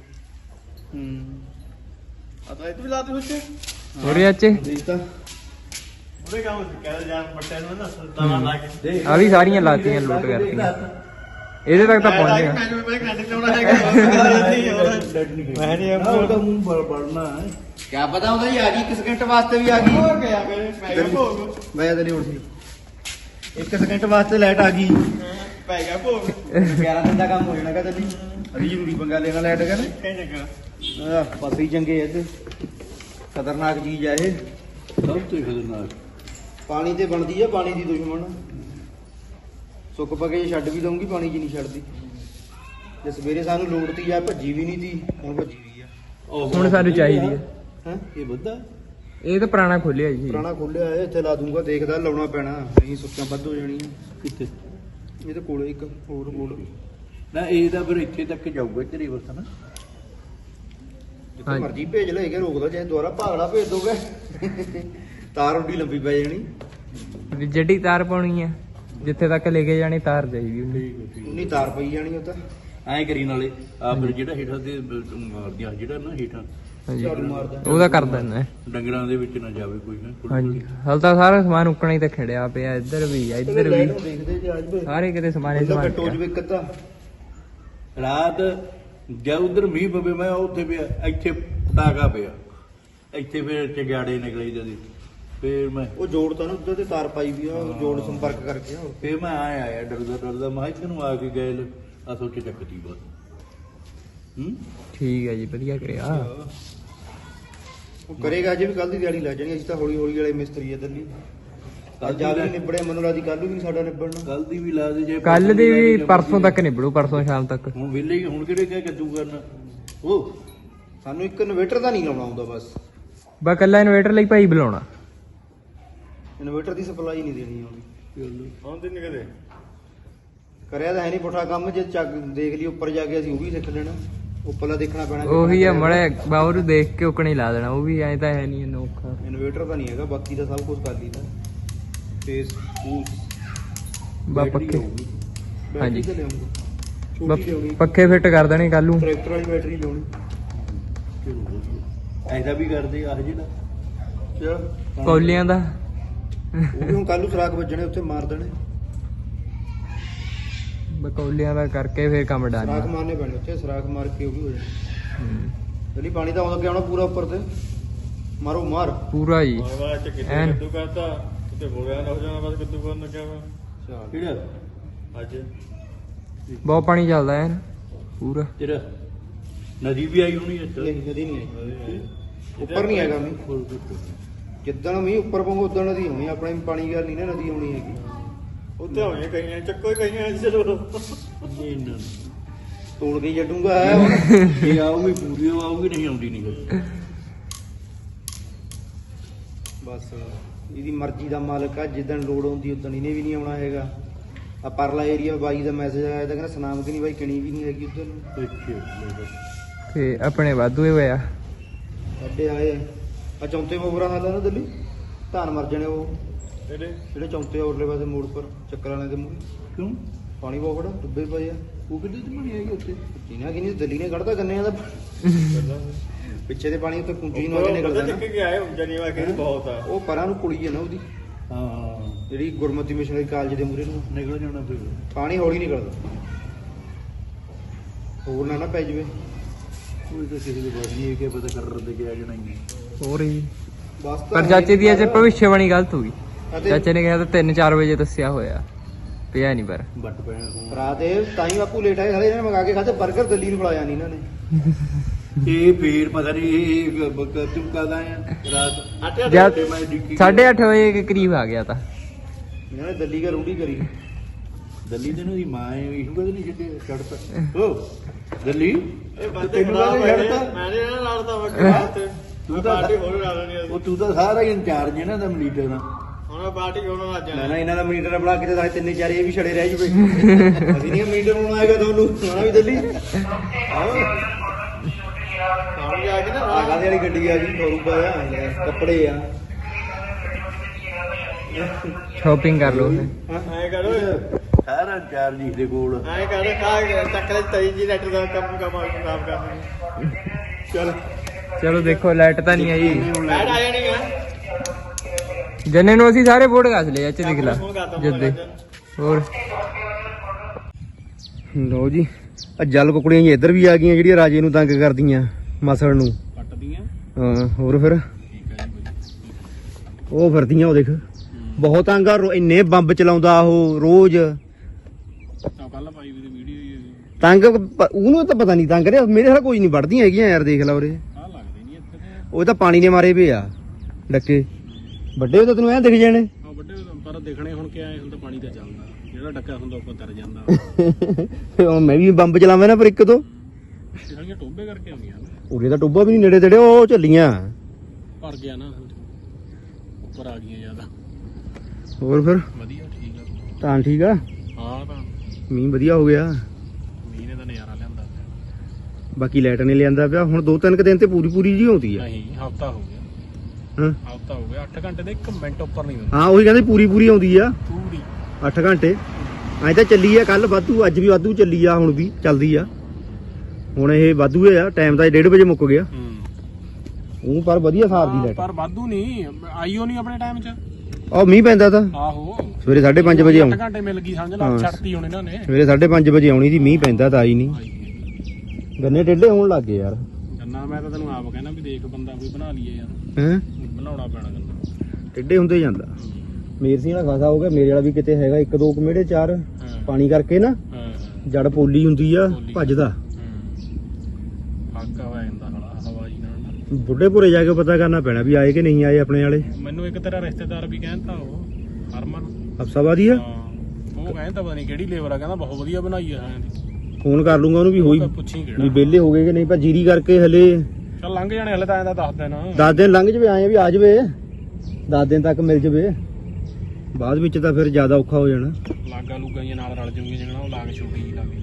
ਆ ਤਾਂ ਇਹ ਵੀ ਲਾਤੇ ਵਿੱਚ
ਹੋਰ ਚਾਚੇ
ਦੇਖਤਾ
ਉਹਦੇ ਕੰਮ ਕਹਿ ਜਾਨ ਬੱਟੇ ਨੂੰ ਨਾ ਸੁਲਤਾਨਾ ਲਾ ਕੇ
ਆ ਵੀ ਸਾਰੀਆਂ ਲਾਤੀਆਂ ਲੁੱਟ ਕਰਤੀਆਂ। ਇਹਦੇ ਤੱਕ ਤਾਂ ਪਹੁੰਚ ਗਿਆ।
ਮੈਨੂੰ ਮੈਂ ਕ੍ਰੈਡਿਟ ਲਾਉਣਾ ਹੈਗਾ ਮੈਂ ਨਹੀਂ
ਉਹਦਾ ਮੂੰਹ ਬੜਨਾ ਹੈ।
ਕਿਆ ਪਤਾ ਹੁੰਦਾ ਜੀ ਆ ਗਈ 1 ਸਕਿੰਟ ਵਾਸਤੇ ਵੀ ਆ ਗਈ।
ਹੋ ਗਿਆ ਮੇਰੇ ਭੋਗ
ਮੈਂ ਤਾਂ ਨਹੀਂ ਉੱਠ ਸੀ 1 ਸਕਿੰਟ ਵਾਸਤੇ ਲਾਈਟ ਆ ਗਈ।
ਪੈ ਗਿਆ ਭੋਗ
11 ਦਿਨ ਦਾ ਕੰਮ ਹੋ ਜਾਣਾ ਕਹਿੰਦਾ ਜੀ। ਅभी ਜ਼ਰੂਰੀ ਪੰਗਾ ਲੈਣਾ ਲਾਈਟ ਕਹਿੰਦਾ।
ਕਹਿੰਦੇ ਕਿ
ਪਾਸੇ ਹੀ ਚੰਗੇ ਐ ਤੇ ਖਤਰਨਾਕ ਚੀਜ਼ ਆ ਇਹ।
ਸਭ ਤੋਂ ਖਤਰਨਾਕ
ਪਾਣੀ ਤੇ ਬਣਦੀ ਆ ਪਾਣੀ ਦੀ ਦੁਸ਼ਮਣ। ਸੁੱਕ ਪਕੇ ਛੱਡ ਵੀ ਦਊਂਗੀ ਪਾਣੀ 'ਚ ਨਹੀਂ ਛੱਡਦੀ। ਜੇ ਸਵੇਰੇ ਸਾਨੂੰ ਲੋੜ ਤੀ ਆ ਭੱਜੀ ਵੀ ਨਹੀਂ ਤੀ, ਹੁਣ ਭੱਜੀ ਵੀ ਆ।
ਹੁਣ ਸਾਨੂੰ ਚਾਹੀਦੀ ਹੈ।
ਹੈ
ਇਹ ਵੱਧਾ
ਇਹ ਤਾਂ ਪੁਰਾਣਾ ਖੋਲਿਆ ਜੀ।
ਪੁਰਾਣਾ ਖੋਲਿਆ ਹੈ ਇੱਥੇ ਲਾ ਦੂੰਗਾ। ਦੇਖਦਾ ਲਾਉਣਾ ਪੈਣਾ ਨਹੀਂ ਸੁੱਕਾਂ ਵੱਧ ਹੋ ਜਾਣੀਆਂ।
ਕਿੱਥੇ
ਇਹ ਤਾਂ ਕੋਲੇ ਇੱਕ ਹੋਰ ਕੋਲ
ਨਾ ਇਹ ਤਾਂ ਫਿਰ ਇੱਥੇ ਤੱਕ ਜਾਊਗਾ ਇੱਥੇ ਰਿਵਰਸ ਨਾ।
ਜਿੱਥੇ
ਹਾਂਜੀ।
ਮਰਜੀ ਭੇਜ ਲੈ ਕੇ ਰੋਕਦਾ ਚਾਹੇ ਦੁਬਾਰਾ ਭਾਗੜਾ ਭੇਜ ਦੋਗੇ। ਤਾਰ ਉੱਡੀ ਲੰਬੀ ਪੈ ਜਾਣੀ।
ਵੀ ਜਿਹੜੀ ਤਾਰ ਪਾਉਣੀ ਆ ਜਿੱਥੇ ਤੱਕ ਲੈ ਕੇ ਜਾਣੀ ਤਾਰ ਚਾਹੀਦੀ ਉਹਨੂੰ।
ਉਨੀ ਤਾਰ ਪਈ ਜਾਣੀ ਉਹ ਤਾਂ।
ਐਂ ਕਰੀ ਨਾਲੇ ਆ ਫਿਰ ਜਿਹੜਾ ਹੇਠਾਂ ਦੇ ਮਾਰਦੀਆਂ ਜਿਹੜਾ ਨਾ ਹੇਠਾਂ
ਹਾਂਜੀ
ਝਾੜੂ ਮਾਰਦਾ।
ਉਹਦਾ ਕਰ ਦਿੰਦਾ।
ਡੰਗਰਾਂ ਦੇ ਵਿੱਚ ਨਾ ਜਾਵੇ ਕੋਈ ਨਾ।
ਹਾਂਜੀ ਹਲ ਤਾਂ ਸਾਰਾ ਸਮਾਨ ਉੱਕਣਾ ਹੀ ਤਾਂ ਖੜਿਆ ਪਿਆ। ਇੱਧਰ ਵੀ ਆ ਇੱਧਰ ਵੀ
ਦੇਖਦੇ ਜੇ ਅੱਜ ਵੀ
ਸਾਰੇ ਕਿਤੇ ਸਮਾਨ ਹੀ
ਬੰਦਾ
ਸਮਾਨ
ਕੱਟੋ ਜਵੇ ਕੱਦਾ।
ਰਾਤ ਜਦ ਉਧਰ ਮੀਂਹ ਪਵੇ ਮੈਂ ਉੱਥੇ ਪਿਆ ਇੱਥੇ ਪਟਾਕਾ ਪਿਆ ਇੱਥੇ ਫਿਰ ਚਗਿਆੜੇ ਨਿਕਲੇ ਜਦੀ ਫਿਰ ਮੈਂ
ਉਹ ਜੋੜ ਤਾਂ ਨਾ ਉੱਧਰ ਤੇ ਤਾਰ ਪਾਈ ਵੀ ਆ। ਉਹ ਜੋੜ ਸੰਪਰਕ ਕਰਕੇ ਆ।
ਫਿਰ ਮੈਂ ਆਇਆ ਡਰਦਾ ਮੈਂ ਇੱਥੇ ਨੂੰ ਆ ਕੇ ਗਏ ਆ ਸੋਚੇ ਚੱਕਤੀ ਬਸ।
ਠੀਕ ਹੈ ਜੀ ਵਧੀਆ ਕਰਿਆ।
ਉਹ ਕਰੇਗਾ ਅਜੇ ਵੀ ਕੱਲ ਦੀ ਦਿਹਾੜੀ ਲੱਗ ਜਾਣੀ। ਅਸੀਂ ਤਾਂ ਹੌਲੀ ਹੌਲੀ ਵਾਲੇ ਮਿਸਤਰੀ ਆ ਦਿੱਲੀ। ਅੱਜ ਜਾ ਵੀ ਨਿਬੜਿਆ ਮੈਨੂੰ ਰਾਜੀ ਕੱਲ ਵੀ ਸਾਡਾ ਨਿਬੜਨਾ।
ਕੱਲ ਦੀ ਵੀ ਲਾ ਦੇ ਜੇ
ਕੱਲ ਦੀ ਵੀ ਪਰਸੋਂ ਤੱਕ ਨਿਬੜੂ, ਪਰਸੋਂ ਸ਼ਾਮ ਤੱਕ।
ਹੁਣ ਵਿਹਲੇ ਹੀ ਹੁਣ ਕਿਹੜੇ ਕਹਿ ਕੱਦੂ ਕਰਨਾ ਉਹ
ਸਾਨੂੰ ਇੱਕ ਇਨਵੇਟਰ ਦਾ ਨਹੀਂ ਲਾਉਣਾ ਆਉਂਦਾ ਬਸ।
ਬਾ ਕੱਲਾ ਇਨਵੇਟਰ ਲਈ ਭਾਈ ਬੁਲਾਉਣਾ।
ਇਨਵੇਟਰ ਦੀ ਸਪਲਾਈ ਨਹੀਂ ਦੇਣੀ ਆਉਂਦੀ।
ਆਉਂਦੇ ਨਹੀਂ ਕਦੇ
ਕਰਿਆ ਤਾਂ ਹੈ ਨਹੀਂ ਪੁੱਠਾ ਕੰਮ। ਜੇ ਚੱਕ ਦੇਖ ਲਈ ਉੱਪਰ ਜਾ ਕੇ ਅਸੀਂ ਉਹ ਵੀ ਸਿੱਖ ਲੈਣਾ। ਉੱਪਰਲਾ ਦੇਖਣਾ ਪੈਣਾ।
ਉਹੀ ਆ ਮੜੇ ਬਾਹਰ ਦੇਖ ਕੇ ਉਕਣੀ ਲਾ ਦੇਣਾ। ਉਹ ਵੀ ਐਂ ਤਾਂ ਹੈ ਨਹੀਂ ਅਨੋਖਾ।
ਇਨਵੇਟਰ ਤਾਂ ਨਹੀਂ ਹੈਗਾ, ਬਾਕੀ ਤਾਂ ਸਭ ਕੁਝ ਕਰ ਲਈਦਾ। ਫੇਸ
ਬਾ ਪੱਕੇ
ਹਾਂਜੀ
ਹਾਂਜੀ।
ਲਿਆਉਂਗਾ
ਬਾ
ਛੋਟੀ ਲਿਆਉਣੀ।
ਪੱਕੇ ਫਿੱਟ ਕਰ ਦੇਣੇ ਕੱਲ ਨੂੰ।
ਟਰੈਕਟਰ ਵਾਲੀ ਬੈਟਰੀ ਲਿਆਉਣੀ।
ਐਦਾ ਵੀ ਕਰਦੇ ਆਹ ਜਿਹੜਾ
ਚਲ
ਕੌਲੀਆਂ ਦਾ
ਉਹ ਵੀ ਹੁਣ ਕੱਲ ਨੂੰ ਸਰਾਖ ਵੱਜਣੇ ਉੱਥੇ ਮਾਰ ਦੇਣੇ।
ਬਕੌਲੀਆਂ ਦਾ ਕਰਕੇ ਫਿਰ ਕੰਮ ਡਾਲ
ਸਰਾਖ ਮਾਰਨੇ ਪੈਣੇ ਉੱਥੇ, ਸਰਾਖ ਮਾਰ ਕੇ ਉਹ ਵੀ ਹੋ ਜਾਣੇ। ਜਿਹੜੀ ਪਾਣੀ ਤਾਂ ਆਉਂਦਾ ਆਉਣਾ ਪੂਰਾ ਉੱਪਰ ਤੇ ਮਾਰੋ ਮਾਰ
ਪੂਰਾ ਜੀ
ਬਾਅਦ ਚ ਕਿਤੇ
ਐਨ।
ਕੱਦੂ ਕਰਤਾ ਤੇ ਹੋ ਗਿਆ ਨਾ ਹੋ ਜਾਣਾ ਬਸ ਕੱਦੂ ਕਰਨ ਲੱਗਿਆ ਵਾ
ਚੱਲ
ਕਿਹੜਾ
ਅੱਜ
ਬਹੁਤ ਪਾਣੀ ਚੱਲਦਾ ਐਨ ਪੂਰਾ।
ਤੇਰਾ ਨਦੀ ਵੀ ਆਈ ਹੋਣੀ ਇੱਥੇ
ਨਹੀਂ ਨਦੀ ਨਹੀਂ ਆਈ, ਉੱਪਰ ਨਹੀਂ ਹੈਗਾ ਮੀਂਹ। ਜਿੱਦਣ ਮੀਂਹ ਉੱਪਰ ਪਊਗਾ ਉਦੋਂ ਨਦੀ ਹੋਣੀ, ਆਪਣੇ ਪਾਣੀ ਗੱਲ ਨਹੀਂ ਨਾ ਨਦੀ ਆਉਣੀ ਹੈਗੀ।
ਉੱਥੇ ਹੋਣੀਆਂ ਕਈਆਂ ਚੱਕੋ ਹੀ ਕਈਆਂ ਚਲੋ
ਨਹੀਂ ਨਾ
ਤੋੜ ਕੇ ਛੱਡੂਗਾ
ਇਹ ਆਊਗੀ ਪੂਰੀ ਆਊਗੀ, ਨਹੀਂ ਆਉਂਦੀ ਨਹੀਂ ਗਾ।
ਬਸ ਇਹਦੀ ਮਰਜ਼ੀ ਦਾ ਮਾਲਕ ਆ, ਜਿੱਦਣ ਲੋੜ ਆਉਂਦੀ ਉਦੋਂ ਇਹਨੇ ਵੀ ਨਹੀਂ ਆਉਣਾ ਹੈਗਾ। ਆ ਪਰਲਾ ਏਰੀਆ ਬਾਈ ਦਾ ਮੈਸੇਜ ਆਇਆ ਤਾਂ ਕਹਿੰਦਾ ਸੁਨਾਮ ਕਿ ਨਹੀਂ ਬਾਈ ਕਿਣੀ ਵੀ ਨਹੀਂ ਹੈਗੀ ਉਧਰ ਨੂੰ।
ਤੇ ਆਪਣੇ ਵਾਧੂ ਹੀ ਹੋਇਆ।
ਸਾਡੇ ਆਏ ਆ ਚੌਂਤੇ ਮੋਬਰਾ ਹਾਲ ਆ ਨਾ ਦਿੱਲੀ, ਧਾਨ ਮਰ ਜਾਣੇ ਉਹ
ਇਹਦੇ
ਜਿਹੜੇ ਚੌਂਤੇ ਔਰਲੇ ਪਾਸੇ ਮੋੜ ਪਰ ਚੱਕਰਾਂ ਵਾਲੇ ਦੇ ਮੂਹਰੇ
ਕਿਉਂ
ਪਾਣੀ ਬਹੁਤ ਖੜਾ ਡੁੱਬੇ ਪਏ ਆ।
ਉਹ ਕਿੱਥੇ ਤੇ ਬਣੀ ਆਈ ਉੱਥੇ
ਜਿਨਾ ਕਿ ਨਹੀਂ ਦਿੱਲੀ ਨੇ ਕੱਢਦਾ ਗੰਨਿਆਂ ਦਾ ਪਿੱਛੇ ਦੇ ਪਾਣੀ ਉੱਤੇ ਪੁੰਜੀ ਨੂੰ ਆ ਕੇ ਨਿਕਲਦਾ ਨਾ,
ਚੱਕ ਕੇ ਆਏ ਜਨੀ ਵਾ ਕੇ ਬਹੁਤ ਆ
ਉਹ ਪਰਾਂ ਨੂੰ ਕੁੜੀ ਹੈ ਨਾ ਉਹਦੀ,
ਹਾਂ
ਜਿਹੜੀ ਗੁਰਮਤਿ ਮਿਸ਼ਨਰੀ ਕਾਲਜ ਦੇ ਮੂਹਰੇ ਨੂੰ
ਨਿਕਲ ਜਾਣਾ ਫਿਰ
ਪਾਣੀ ਹੌਲੀ ਨਿਕਲਦਾ, ਹੋਰ ਨਾ ਪੈ ਜਵੇ।
ਕੋਈ ਤਾਂ ਕਿਸੇ ਦੀ ਬਾਤ ਨਹੀਂ ਹੈ ਕਿ ਪਤਾ ਕਰ ਦੇ ਕੇ ਆ ਜਾਣਾ ਹੀ
ਹੋਰ ਹੀ
ਬਸ ਤਾਂ
ਪਰ ਚਾਚੇ ਦੀ ਅੱਜ ਭਵਿੱਖਬਾਣੀ ਗਲਤ ਹੋ ਗਈ।
ਅਤੇ
ਚਾਚੇ ਨੇ ਕਿਹਾ ਤਾਂ 3-4 ਵਜੇ ਦੱਸਿਆ ਹੋਇਆ, ਪਿਆ ਨਹੀਂ ਪਰ
ਬੱਟ ਪੈਣ ਤੋਂ
ਰਾਤ ਇਹ ਤਾਂ ਹੀ ਬਾਪੂ ਲੇਟ ਆਏ, ਸਾਰੇ ਇਹਨਾਂ ਨੇ ਮੰਗਾ ਕੇ ਖਾਦੇ 버ਗਰ, ਦਿੱਲੀ ਨੂੰ ਖਲਾਇਆ ਨਹੀਂ ਇਹਨਾਂ ਨੇ।
ਇਹ ਫੇਰ ਪਤਾ ਨਹੀਂ ਇਹ ਤੂੰ ਕਦਾ ਆ ਰਾਤ
ਜਦ
ਮੈਂ ਡਿੱਕੀ
8:30 ਵਜੇ ਦੇ ਕਰੀਬ ਆ ਗਿਆ ਤਾਂ
ਇਹਨਾਂ ਨੇ ਦਿੱਲੀ ਦਾ ਰੂੜੀ ਕਰੀ।
ਦਿੱਲੀ ਦੇ ਨੂੰ ਦੀ ਮਾਂ ਇਹਨੂੰ ਕਦੇ ਨਹੀਂ ਛੱਡੇ ਛੱਡਤਾ ਓ ਦਿੱਲੀ
ਇਹ ਬੰਦੇ
ਤੈਨੂੰ
ਖਰਾਬ
ਕਾਹਦੇ
ਹੋਏ
ਛੱਡਤਾ?
ਮੈਂ ਨਹੀਂ ਨਾ ਲੜਦਾ ਵਾ ਤੇ
ਤੂੰ
ਤੂੰ
ਤਾਂ-
ਪਾਰਟੀ ਹੋਰ ਲਾ ਲੈਣੀ
ਉਹ ਤੂੰ ਤਾਂ ਸਾਰਾ ਹੀ ਇੰਚਾਰਜ ਹੈ ਨਾ ਦਾ ਮਲੀਟਰ ਦਾ
ਹੁਣ ਪਾਰਟੀ ਹੋਣ ਲੱਗ
ਨਾ
ਜਾਣਾ
ਨਾ ਇਹਨਾਂ ਦਾ ਮੀਟਰ ਬਣਾ ਕੇ ਤੇ ਸਾਰੇ ਤਿੰਨੇ ਚਾਰੇ ਇਹ ਵੀ ਛੜੇ ਰਹਿ ਜੂਵੇ। ਅਸੀਂ ਨਹੀਂ ਮੀਟਰ ਬਣਾਉਣਾ ਹੈਗਾ ਤੁਹਾਨੂੰ, ਆਉਣਾ ਵੀ ਦਿੱਲੀ।
ਹੁਣ ਜਾ ਕੇ ਨਾ
ਆ ਕਾਹਦੇ ਵਾਲੀ ਗੱਡੀ ਆ ਗਈ, ਟੋਰੂਬਾ ਆ, ਕੱਪੜੇ ਆ।
ਸ਼ਾਪਿੰਗ ਕਰ ਲਓ ਫਿਰ।
ਐ ਕਰੋ
ਸਾਰਾ ਇੰਚਾਰਜ ਹੀ ਦੇ ਕੋਲ
ਐ ਕਰ ਖਾ ਚੱਕਲੇ ਤਰੀ ਜੀ ਨੈਟ ਦਾ ਕੰਮ ਖਰਾਬ ਕਰਨਾ ਚਲ
ਚਲੋ ਦੇਖੋ ਲਾਈਟ ਤਾਂ ਨਹੀਂ ਆਈ।
ਬੈਠ ਆ ਜਾਣੀ ਆ
ਜੰਨੇ ਨੂੰ ਅਸੀਂ ਸਾਰੇ ਬੋਰਡ ਘਸ ਲਏ, ਅੱਛਾ ਦੇਖ ਲਾ ਜੱਦੇ ਹੋਰ।
ਲਓ ਜੀ ਆ ਜਲ ਕੁਕੜੀਆਂ ਜੀ ਇੱਧਰ ਵੀ ਆ ਗਈਆਂ ਜਿਹੜੀਆਂ ਰਾਜੇ ਨੂੰ ਤੰਗ ਕਰਦੀਆਂ, ਮਸਲ ਨੂੰ
ਪੱਟਦੀਆਂ
ਹਾਂ। ਹੋਰ ਫਿਰ ਉਹ ਫਿਰਦੀਆਂ, ਉਹ ਦੇਖ ਬਹੁਤ ਤੰਗ ਆ, ਇੰਨੇ ਬੰਬ ਚਲਾਉਂਦਾ ਉਹ ਰੋਜ਼।
ਕੱਲ ਪਾਈ ਵੀ ਵੀਡੀਓ
ਤੰਗ ਉਹਨੂੰ ਤਾਂ ਪਤਾ ਨਹੀਂ ਤੰਗ ਰਿਹਾ, ਮੇਰੇ ਨਾਲ ਕੋਈ ਨਹੀਂ ਵੜਦੀਆਂ ਹੈਗੀਆਂ ਯਾਰ, ਦੇਖ ਲਾ ਉਰੇ।
ਆ ਲੱਗਦੇ ਨਹੀਂ ਇੱਥੇ ਤੇ
ਉਹ ਤਾਂ ਪਾਣੀ ਨੇ ਮਾਰੇ ਪਏ ਆ ਡੱਕੇ ਵੱਡੇ, ਉਹ ਤਾਂ ਤੈਨੂੰ ਐਂ ਦਿਖ ਜਾਣੇ।
ਆ ਵੱਡੇ ਪਰ ਦੇਖਣੇ ਹੁਣ ਕਿਆ ਹੁੰਦਾ, ਪਾਣੀ ਤਾਂ ਚੱਲਦਾ ਜਿਹੜਾ ਡੱਕਾ ਹੁੰਦਾ ਉੱਪਰ ਤਰ ਜਾਂਦਾ
ਉਹ ਮੈਂ ਵੀ ਬੰਬ ਚਲਾਵਾਂ ਨਾ ਪਰ ਇੱਕ ਤੋਂ
ਜਿਹੜੀਆਂ ਟੋਬੇ ਕਰਕੇ ਆਉਂਦੀਆਂ ਨੇ
ਉਰੇ ਤਾਂ ਟੋਬਾ ਵੀ ਨਹੀਂ ਨੇੜੇ ਤੇੜੇ, ਉਹ ਝੱਲੀਆਂ
ਭਰ ਗਿਆ ਨਾ ਉੱਪਰ ਆ ਗਈਆਂ ਜ਼ਿਆਦਾ।
ਹੋਰ ਫਿਰ
ਵਧੀਆ ਠੀਕ ਆ
ਤਾਂ ਠੀਕ ਆ,
ਹਾਂ ਤਾਂ
ਮੀਂਹ ਵਧੀਆ ਹੋ ਗਿਆ।
ਮੀਂਹ ਨੇ ਤਾਂ ਨਜ਼ਾਰਾ ਲਿਆਂਦਾ
ਬਾਕੀ ਲਾਈਟ ਨੇ ਲਿਆਂਦਾ ਪਿਆ ਹੁਣ 2-3 ਦਿਨ ਤੇ ਪੂਰੀ ਜੀ ਆਉਂਦੀ ਆ।
ਨਹੀਂ ਹਫਤਾ ਹੋ ਗਿਆ
ਹਾਂ
ਹਫਤਾ ਹੋ ਗਿਆ 8 ਘੰਟੇ ਦੇ 1 ਮਿੰਟ ਉੱਪਰ ਨਹੀਂ ਹੁੰਦਾ
ਹਾਂ ਉਹੀ ਕਹਿੰਦੇ ਪੂਰੀ ਆਉਂਦੀ ਆ
ਪੂਰੀ
8 ਘੰਟੇ। ਅੱਜ ਤਾਂ ਚੱਲੀ ਆ, ਕੱਲ ਵਾਧੂ, ਅੱਜ ਵੀ ਵਾਧੂ ਚੱਲੀ ਆ, ਹੁਣ ਵੀ ਚੱਲਦੀ ਆ। ਹੁਣ ਇਹ ਵਾਧੂ ਆ, ਟਾਈਮ ਤਾਂ 1:30 ਵਜੇ ਮੁੱਕ ਗਿਆ। ਉਹ ਪਰ ਵਧੀਆ ਸਾਰ ਦੀ ਲਾਈਟ,
ਪਰ ਵਾਧੂ ਨਹੀਂ ਆਈਓ ਨਹੀਂ ਆਪਣੇ ਟਾਈਮ 'ਚ।
ਉਹ ਮੀਂਹ ਪੈਂਦਾ ਤਾਂ
ਆਹੋ
ਸਵੇਰੇ 5:30 ਵਜੇ ਆਉਂ
8 ਘੰਟੇ ਮਿਲ ਗਈ ਸਮਝ ਲਾ,
ਹਾਂ।
ਛੱਡਤੀ ਹੁਣ ਇਹਨਾਂ ਨੇ।
ਸਵੇਰੇ 5:30 ਵਜੇ ਆਉਣੀ ਸੀ, ਮੀਂਹ ਪੈਂਦਾ ਤਾਂ ਆਈ ਨਹੀਂ। ਗੰਨੇ ਟੇਢੇ ਹੋਣ ਲੱਗ ਗਏ ਯਾਰ।
ਗੰਨਾ ਮੈਂ ਤਾਂ ਤੈਨੂੰ ਆਪ ਕਹਿਣਾ ਵੀ ਦੇਖ ਬੰਦਾ ਕੋਈ ਬਣਾ ਲਈਏ ਯਾਰ,
ਹੈਂ
ਬਣਾਉਣਾ ਪੈਣਾ ਗੰਨਾ।
ਟੇਢੇ ਹੁੰਦੇ ਜਾਂਦਾ। ਮੇਰ ਸਿੰਘ ਵਾਲਾ ਖਾਸਾ ਹੋ ਗਿਆ, ਮੇਰੇ ਵਾਲਾ ਵੀ ਕਿਤੇ ਹੈਗਾ 1-2 ਕਮੇੜੇ 4
ਹਾਂ
ਪਾਣੀ ਕਰਕੇ ਨਾ
ਹਾਂ
ਜੜ ਪੋਲੀ ਹੁੰਦੀ ਆ,
ਪੋਲੀ।
ਭੱਜਦਾ।
ਫਾਕਾ ਹੋ ਜਾਂਦਾ ਹਵਾ ਜੀ ਨਾਲ।
ਬੁੱਢੇਪੁਰੇ ਜਾ ਕੇ ਪਤਾ ਕਰਨਾ ਪੈਣਾ ਵੀ ਆਏ ਕਿ ਨਹੀਂ ਆਏ ਆਪਣੇ ਵਾਲੇ।
ਮੈਨੂੰ ਇੱਕ ਤੇਰਾ ਰਿਸ਼ਤੇਦਾਰ ਵੀ ਕਹਿੰਦਾ, ਉਹ ਹਰਮਨ,
ਹਫਸਾਬਾਦੀ ਆ,
ਹਾਂ ਉਹ ਕਹਿੰਦਾ ਪਤਾ ਨਹੀਂ ਕਿਹੜੀ ਲੇਬਰ ਆ, ਕਹਿੰਦਾ ਬਹੁਤ ਵਧੀਆ ਬਣਾਈ ਆ ਹਾਂ ਦੀ।
ਫੋਨ ਕਰ ਲੂੰਗਾ ਉਹਨੂੰ ਵੀ ਹੋਈ
ਪੁੱਛੀ
ਵੀ
ਕਿਹੜਾ।
ਵਿਹਲੇ ਹੋ ਗਏ ਕਿ ਨਹੀਂ, ਪਰ ਜੀਰੀ ਕਰਕੇ ਹਲੇ
ਚੱਲ ਲੰਘ ਜਾਣੇ ਹਲੇ ਤਾਂ ਐਂ ਦਾ ਦੱਸ ਦੇਣਾ।
10 ਦਿਨ ਲੰਘ ਜਵੇ, ਆਏ ਵੀ ਆ ਜਵੇ 10 ਦਿਨ ਤੱਕ ਮਿਲ ਜਵੇ, ਬਾਅਦ ਵਿੱਚ ਤਾਂ ਫਿਰ ਜ਼ਿਆਦਾ ਔਖਾ ਹੋ ਜਾਣਾ।
ਲਾਗਾ ਲੂਗਾ ਜੀ ਨਾਲ ਰਲ ਜੂਗੀ ਜਿਹੜਾ ਉਹ ਲਾਗ ਛੋਟੀ ਜੀ ਲਾਗ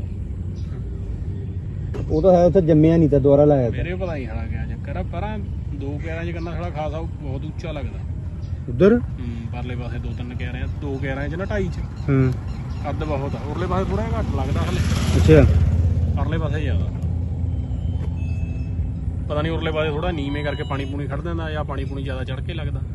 ਉਹ ਤਾਂ ਹੈ ਉੱਥੇ ਜੰਮਿਆ ਨਹੀਂ ਤਾਂ ਦੁਬਾਰਾ ਲਾਇਆ ਤਾਂ
ਮੇਰੇ ਪਤਾ ਨਹੀਂ ਹਲਾ ਗਿਆ ਚੱਕਰ ਆ, ਪਰਾਂ 2 ਕਿਆਰਾਂ 'ਚ ਕਰਨਾ ਥੋੜਾ ਖਾਸਾ ਬਹੁਤ ਉੱਚਾ ਲੱਗਦਾ।
ਉਧਰ।
ਪਰਲੇ ਪਾਸੇ 2-3 ਕਿਆਰਿਆਂ 2 ਕਿਆਰਾਂ 'ਚ ਨਾ 2.5 'ਚ
ਹਾਂ
ਕੱਦ ਬਹੁਤ ਆ। ਉਰਲੇ ਪਾਸੇ ਥੋੜਾ ਘੱਟ ਲੱਗਦਾ ਹਲੇ,
ਅੱਛਾ
ਪਰਲੇ ਪਾਸੇ ਜ਼ਿਆਦਾ। ਪਤਾ ਨਹੀਂ ਉਰਲੇ ਪਾਸੇ ਥੋੜਾ ਨੀਵੇਂ ਕਰਕੇ ਪਾਣੀ ਪੂਣੀ ਖੜ ਦਿੰਦਾ ਜਾਂ ਪਾਣੀ ਪੂਣੀ ਜ਼ਿਆਦਾ ਚੜ ਕੇ ਲੱਗਦਾ।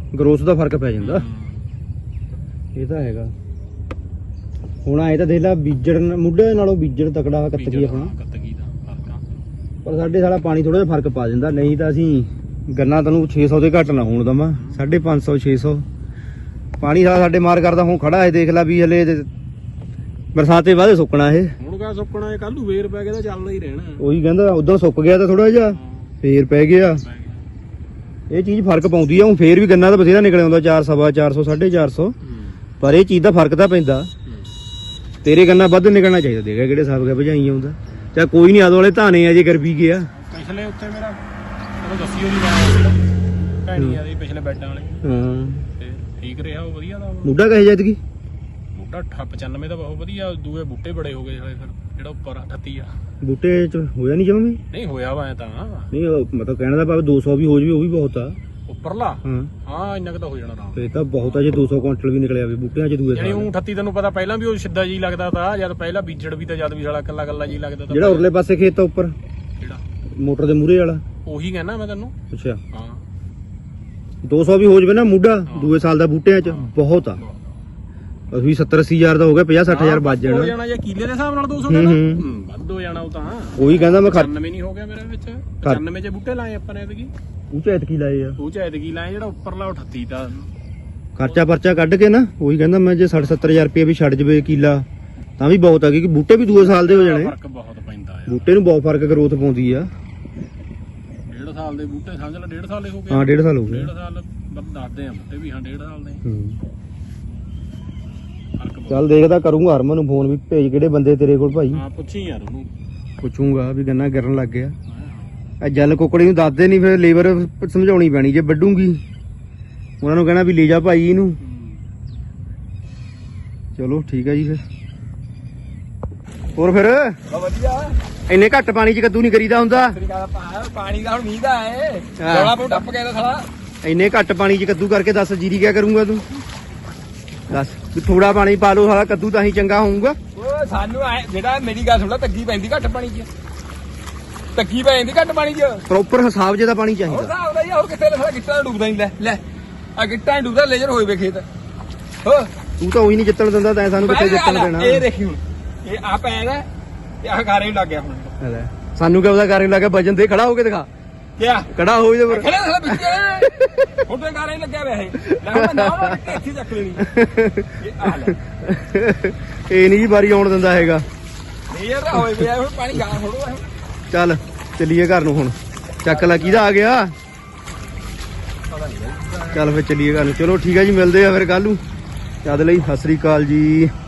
ਗਰੋਥ ਦਾ ਫਰਕ ਪੈ ਜਾਂਦਾ ਇਹ ਤਾਂ ਹੈਗਾ। ਹੁਣ ਆਏ ਤਾਂ ਦੇਖ ਲਾ ਬੀਜਣ ਮੁੱਢੇ ਨਾਲੋਂ ਬੀਜਣ ਤਕੜਾ ਕੱਤਕੀ ਆਪਣਾ
ਕੱਤਗੀ ਦਾ ਫਰਕ ਆ।
ਪਰ ਸਾਡੇ ਸਾਲਾ ਪਾਣੀ ਥੋੜਾ ਜਿਹਾ ਫਰਕ ਪਾ ਦਿੰਦਾ, ਨਹੀਂ ਤਾਂ ਅਸੀਂ ਗੰਨਾ ਤੈਨੂੰ 600 ਦੇ ਘੱਟ ਨਾ ਹੋਣ ਦਵਾਂ 550 600 ਪਾਣੀ ਸਾਲਾ ਸਾਡੇ ਮਾਰ ਕਰਦਾ। ਹੁਣ ਖੜਾ ਹੈ ਦੇਖ ਲਾ ਵੀ ਹਲੇ ਬਰਸਾਤੇ ਬਾਅਦ ਸੁੱਕਣਾ ਇਹ।
ਹੁਣ ਕਾ ਸੁੱਕਣਾ ਇਹ ਕੱਲ ਨੂੰ ਵੇਰ ਪੈ ਗਿਆ ਤਾਂ ਚੱਲਦਾ ਹੀ ਰਹਿਣਾ।
ਉਹੀ ਕਹਿੰਦਾ ਉਦੋਂ ਸੁੱਕ ਗਿਆ ਤਾਂ ਥੋੜਾ ਜਿਹਾ ਫੇਰ ਪੈ ਗਿਆ। ਇਹ ਚੀਜ਼ ਫਰਕ ਪਾਉਂਦੀ ਆ। ਹੁਣ ਫੇਰ ਵੀ ਗੰਨਾ ਤਾਂ ਬਥੇਰਾ ਨਿਕਲ ਆਉਂਦਾ 400 450 450 ਪਰ ਇਹ ਚੀਜ਼ ਦਾ ਫਰਕ ਤਾਂ ਪੈਂਦਾ। ਤੇਰੇ ਗੰਨਾ ਵੱਧ ਨਿਕਲਣਾ ਚਾਹੀਦਾ ਦੇਖਿਆ ਕਿਹੜੇ ਹਿਸਾਬ ਦਾ ਭਜਾਈ ਆਉਂਦਾ। ਚਾ ਕੋਈ ਨਹੀਂ ਆਦ ਵਾਲੇ ਧਾਨੇ ਆ ਜੇ ਕਰ ਵੀ ਗਿਆ।
ਪਿਛਲੇ ਉੱਤੇ ਮੇਰਾ ਉਹ ਦੱਸੀ ਹੋਈ ਲਾਇਆ ਭੈਣੀ ਆ ਦੀ ਪਿਛਲੇ ਬੈਡਾਂ ਵਾਲੇ
ਹਾਂ
ਤੇ ਠੀਕ ਰਿਹਾ ਉਹ ਵਧੀਆ ਦਾ।
ਮੁੱਢਾ ਕਹੇ ਜਦ ਕੀ
ਬੂਟਾ 95 ਦਾ ਬਹੁਤ ਵਧੀਆ। ਦੂਏ ਬੂਟੇ ਬੜੇ ਹੋ ਗਏ ਹਲੇ ਫਿਰ ਜਿਹੜਾ ਉੱਪਰ 38 ਆ
ਬੂਟੇ ਚ ਹੋਇਆ ਨਹੀਂ ਜਮਾ ਵੀ
ਨਹੀਂ ਹੋਇਆ ਵਾ ਐਂ ਤਾਂ
ਨਹੀਂ ਮਤਲਬ ਕਹਿਣ ਦਾ ਭਾਵੇਂ 200 ਵੀ ਹੋ ਜਵੇ ਉਹ ਵੀ ਬਹੁਤ ਆ।
ਉੱਪਰਲਾ
ਹਾਂ
ਹਾਂ ਇੰਨਾ ਕੁ ਤਾਂ ਹੋ ਜਾਣਾ ਆਰਾਮ।
ਫੇਰ ਤਾਂ ਬਹੁਤ ਆ ਜੇ 200 ਕੁਇੰਟਲ ਵੀ ਨਿਕਲਿਆ ਵੇ ਬੂਟਿਆਂ ਚ ਦੂਏ
ਯਾਨੀ
ਸਾਲ।
ਉਹ 38 ਤੈਨੂੰ ਪਤਾ ਪਹਿਲਾਂ ਵੀ ਉਹ ਸਿੱਧਾ ਜੀ ਲੱਗਦਾ ਤਾ ਜਦ ਪਹਿਲਾਂ ਬੀਜੜ ਵੀ ਤਾਂ ਜਦ ਵੀ ਸਾਲਾ ਕੱਲਾ ਕੱਲਾ ਜੀ ਲੱਗਦਾ ਤਾ।
ਜਿਹੜਾ ਉਰਲੇ ਪਾਸੇ ਖੇਤ ਆ ਉੱਪਰ
ਜਿਹੜਾ
ਮੋਟਰ ਦੇ ਮੂਹਰੇ ਵਾਲਾ
ਉਹੀ ਕਹਿਣਾ ਮੈਂ ਤੈਨੂੰ।
ਅੱਛਾ
ਹਾਂ
200 ਵੀ ਹੋ ਜਵੇ ਨਾ ਮੁੱਢਾ ਦੂਏ ਸਾਲ ਦਾ ਬੂਟਿਆਂ ਚ ਬਹੁਤ ਆ। ਅਸੀਂ 70 80 ਹਜ਼ਾਰ ਦਾ ਹੋ ਗਿਆ 50 60 ਹਜ਼ਾਰ ਵੱਜ
ਹੋ
ਜਾਣਾ।
ਜਾਣਾ ਜਾਂ ਕਿੱਲੇ ਦੇ ਹਿਸਾਬ ਨਾਲ 200
ਹੂੰ,
ਦਾ
ਹੂੰ।
ਵੱਧ ਹੋ ਜਾਣਾ ਉਹ ਤਾਂ।
ਉਹੀ ਕਹਿੰਦਾ ਮੈਂ
95 ਨਹੀਂ ਹੋ ਗਿਆ ਮੇਰੇ ਵਿੱਚ 95 ਚ ਬੂਟੇ ਲਾਏ ਆਪਾਂ ਨੇ ਐਤਕੀ।
ਉਹ ਚ ਐਤਕੀ ਲਾਏ ਆ
ਉਹ ਚ ਐਤਕੀ ਲਾਏ ਜਿਹੜਾ ਉੱਪਰਲਾ 38 ਦਾ।
ਖਰਚਾ ਪਰਚਾ ਕੱਢ ਕੇ ਨਾ ਉਹੀ ਕਹਿੰਦਾ ਮੈਂ ਜੇ 60 70 ਹਜ਼ਾਰ ਰੁਪਏ ਵੀ ਛੱਡ ਜਵੇ ਕਿੱਲਾ ਤਾਂ ਵੀ ਬਹੁਤ ਆ ਕਿਉਂਕਿ ਬੂਟੇ ਵੀ ਦੂਏ ਸਾਲ ਦੇ ਹੋ ਜਾਣੇ।
ਫਰਕ ਬਹੁਤ ਪੈਂਦਾ ਆ।
ਬੂਟੇ ਨੂੰ ਬਹੁਤ ਫਰਕ ਗਰੋਥ ਪਾਉਂਦੀ ਆ।
1.5 ਸਾਲ ਦੇ ਬੂਟੇ ਸਮਝ ਲੈ 1.5 ਸਾਲ ਹੀ ਹੋ ਗਏ।
ਹਾਂ 1.5 ਸਾਲ ਹੋ ਗਏ।
1.5 ਸਾਲ ਬਸ ਦੱਸਦੇ ਆ ਬੂਟੇ ਵੀ ਹਾਂ 1.5 ਸਾਲ ਦੇ
ਹੂੰ।
ਫਰਕ ਬਹੁਤ।
ਚੱਲ ਦੇਖਦਾ ਕਰੂੰਗਾ ਹਰਮਨ ਨੂੰ ਫੋਨ ਵੀ ਭੇਜ ਕਿਹੜੇ ਬੰਦੇ ਤੇਰੇ ਕੋਲ ਭਾਈ।
ਹਾਂ ਪੁੱਛੀ ਯਾਰ ਉਹਨੂੰ।
ਪੁੱਛੂੰਗਾ ਵੀ ਗੰਨਾ ਗਿਰਨ ਲੱਗ ਗਿਆ। ਇਹ ਜਲ ਕੁਕੜੀ ਨੂੰ ਦੱਸਦੇ ਨਹੀਂ ਫਿਰ ਲੇਬਰ ਸਮਝਾਉਣੀ ਪੈਣੀ ਜੇ ਵੱਢੂਗੀ ਉਹਨਾਂ ਨੂੰ ਕਹਿਣਾ ਵੀ ਲੈ ਜਾ ਭਾਈ ਇਹਨੂੰ। ਚਲੋ ਠੀਕ ਆ ਜੀ ਫਿਰ ਹੋਰ ਫਿਰ
ਵਧੀਆ
ਇੰਨੇ ਘੱਟ ਪਾਣੀ 'ਚ ਕੱਦੂ ਨਹੀਂ ਕਰੀਦਾ ਹੁੰਦਾ।
ਪਾਣੀ ਦਾ ਹੁਣ ਮੀਂਹ ਦਾ ਹੈ
ਹਾਂ।
ਜੋਲਾ ਪੂ ਟੱਪ ਗਿਆ ਤਾਂ ਸਾਲਾ।
ਇੰਨੇ ਘੱਟ ਪਾਣੀ 'ਚ ਕੱਦੂ ਕਰਕੇ ਦੱਸ ਜੀਰੀ ਕਿਆ ਕਰੂੰਗਾ ਤੂੰ ਦੱਸ ਵੀ ਥੋੜਾ ਪਾਣੀ ਪਾ ਲਓ ਸਾਲਾ ਕੱਦੂ ਤਾਂ ਹੀ ਚੰਗਾ ਹੋਊਗਾ।
ਉਹ ਸਾਨੂੰ ਐ ਜਿਹੜਾ ਮੇਰੀ ਗੱਲ ਸੁਣ ਲੈ ਤੱਗੀ ਪੈਂਦੀ ਘੱਟ ਪਾਣੀ 'ਚ। ਤੱਗੀ ਪੈ ਜਾਂਦੀ ਘੱਟ ਪਾਣੀ 'ਚ।
ਪ੍ਰੋਪਰ ਹਿਸਾਬ ਜੇ ਦਾ ਪਾਣੀ
ਹੋਰ
ਚਾਹੀਦਾ।
ਹਿਸਾਬ ਦਾ ਹੀ ਆ, ਹੋਰ ਕਿੱਥੇ ਸਾਲਾ ਗਿੱਟਾਂ ਡੁੱਬਦਾ ਨਹੀਂ। ਲੈ ਆ ਗਿੱਟਾਂ ਡੁੱਬਦਾ ਲੇਜਰ ਹੋਏ ਵੇ ਖੇਤ। ਹੋ
ਤੂੰ ਤਾਂ ਉਹੀ ਨਹੀਂ ਜਿੱਤਣ ਦਿੰਦਾ ਤੈਂ ਸਾਨੂੰ ਕਿੱਥੇ ਜਿੱਤਣ ਦੇਣਾ।
ਇਹ ਦੇਖੀ ਹੁਣ ਇਹ ਆ ਪੈਦਾ ਇਹ ਆ ਗਾਰੇ ਲੱਗ ਗਿਆ ਹੁਣ।
ਲੈ, ਸਾਨੂੰ ਕਿਉਂ ਉਹਦਾ ਕਾਰਨ ਲੱਗਾ ਵਜਨ ਦੇ ਖੜਾ ਹੋ ਕੇ ਦਿਖਾ
ਕਿਆ
ਖੜਾ ਹੋ ਜੇ ਫਿਰ
ਖੜੇ ਸਾਲਾ ਵਿੱਚ ਹੁਣ ਤੇ ਗਾਰੇ ਲੱਗਿਆ ਵੇ ਇਹ। ਲੈ ਹੁਣ ਨਾ ਨਾ ਇੱਥੇ ਚੱਕ ਲੈਣੀ ਇਹ ਆ ਲੈ
ਇਹ ਨਹੀਂ ਜੀ ਵਾਰੀ ਆਉਣ ਦਿੰਦਾ ਹੈਗਾ।
ਲੇਜਰ ਦਾ ਹੋਏ ਵੇ ਹੁਣ ਪਾਣੀ ਗਾਂ ਥੋੜੋ ਹੈ।
ਚੱਲ ਚੱਲੀਏ ਘਰ ਨੂੰ ਹੁਣ। ਚੱਕ ਲੈ ਕਿਹਦਾ ਆ ਗਿਆ। ਚੱਲ ਫਿਰ ਚੱਲੀਏ ਘਰ ਨੂੰ। ਚਲੋ ਠੀਕ ਆ ਜੀ ਮਿਲਦੇ ਆ ਫਿਰ ਕੱਲ ਨੂੰ। ਤਦ ਲਈ ਸਤਿ ਸ੍ਰੀ ਅਕਾਲ ਜੀ।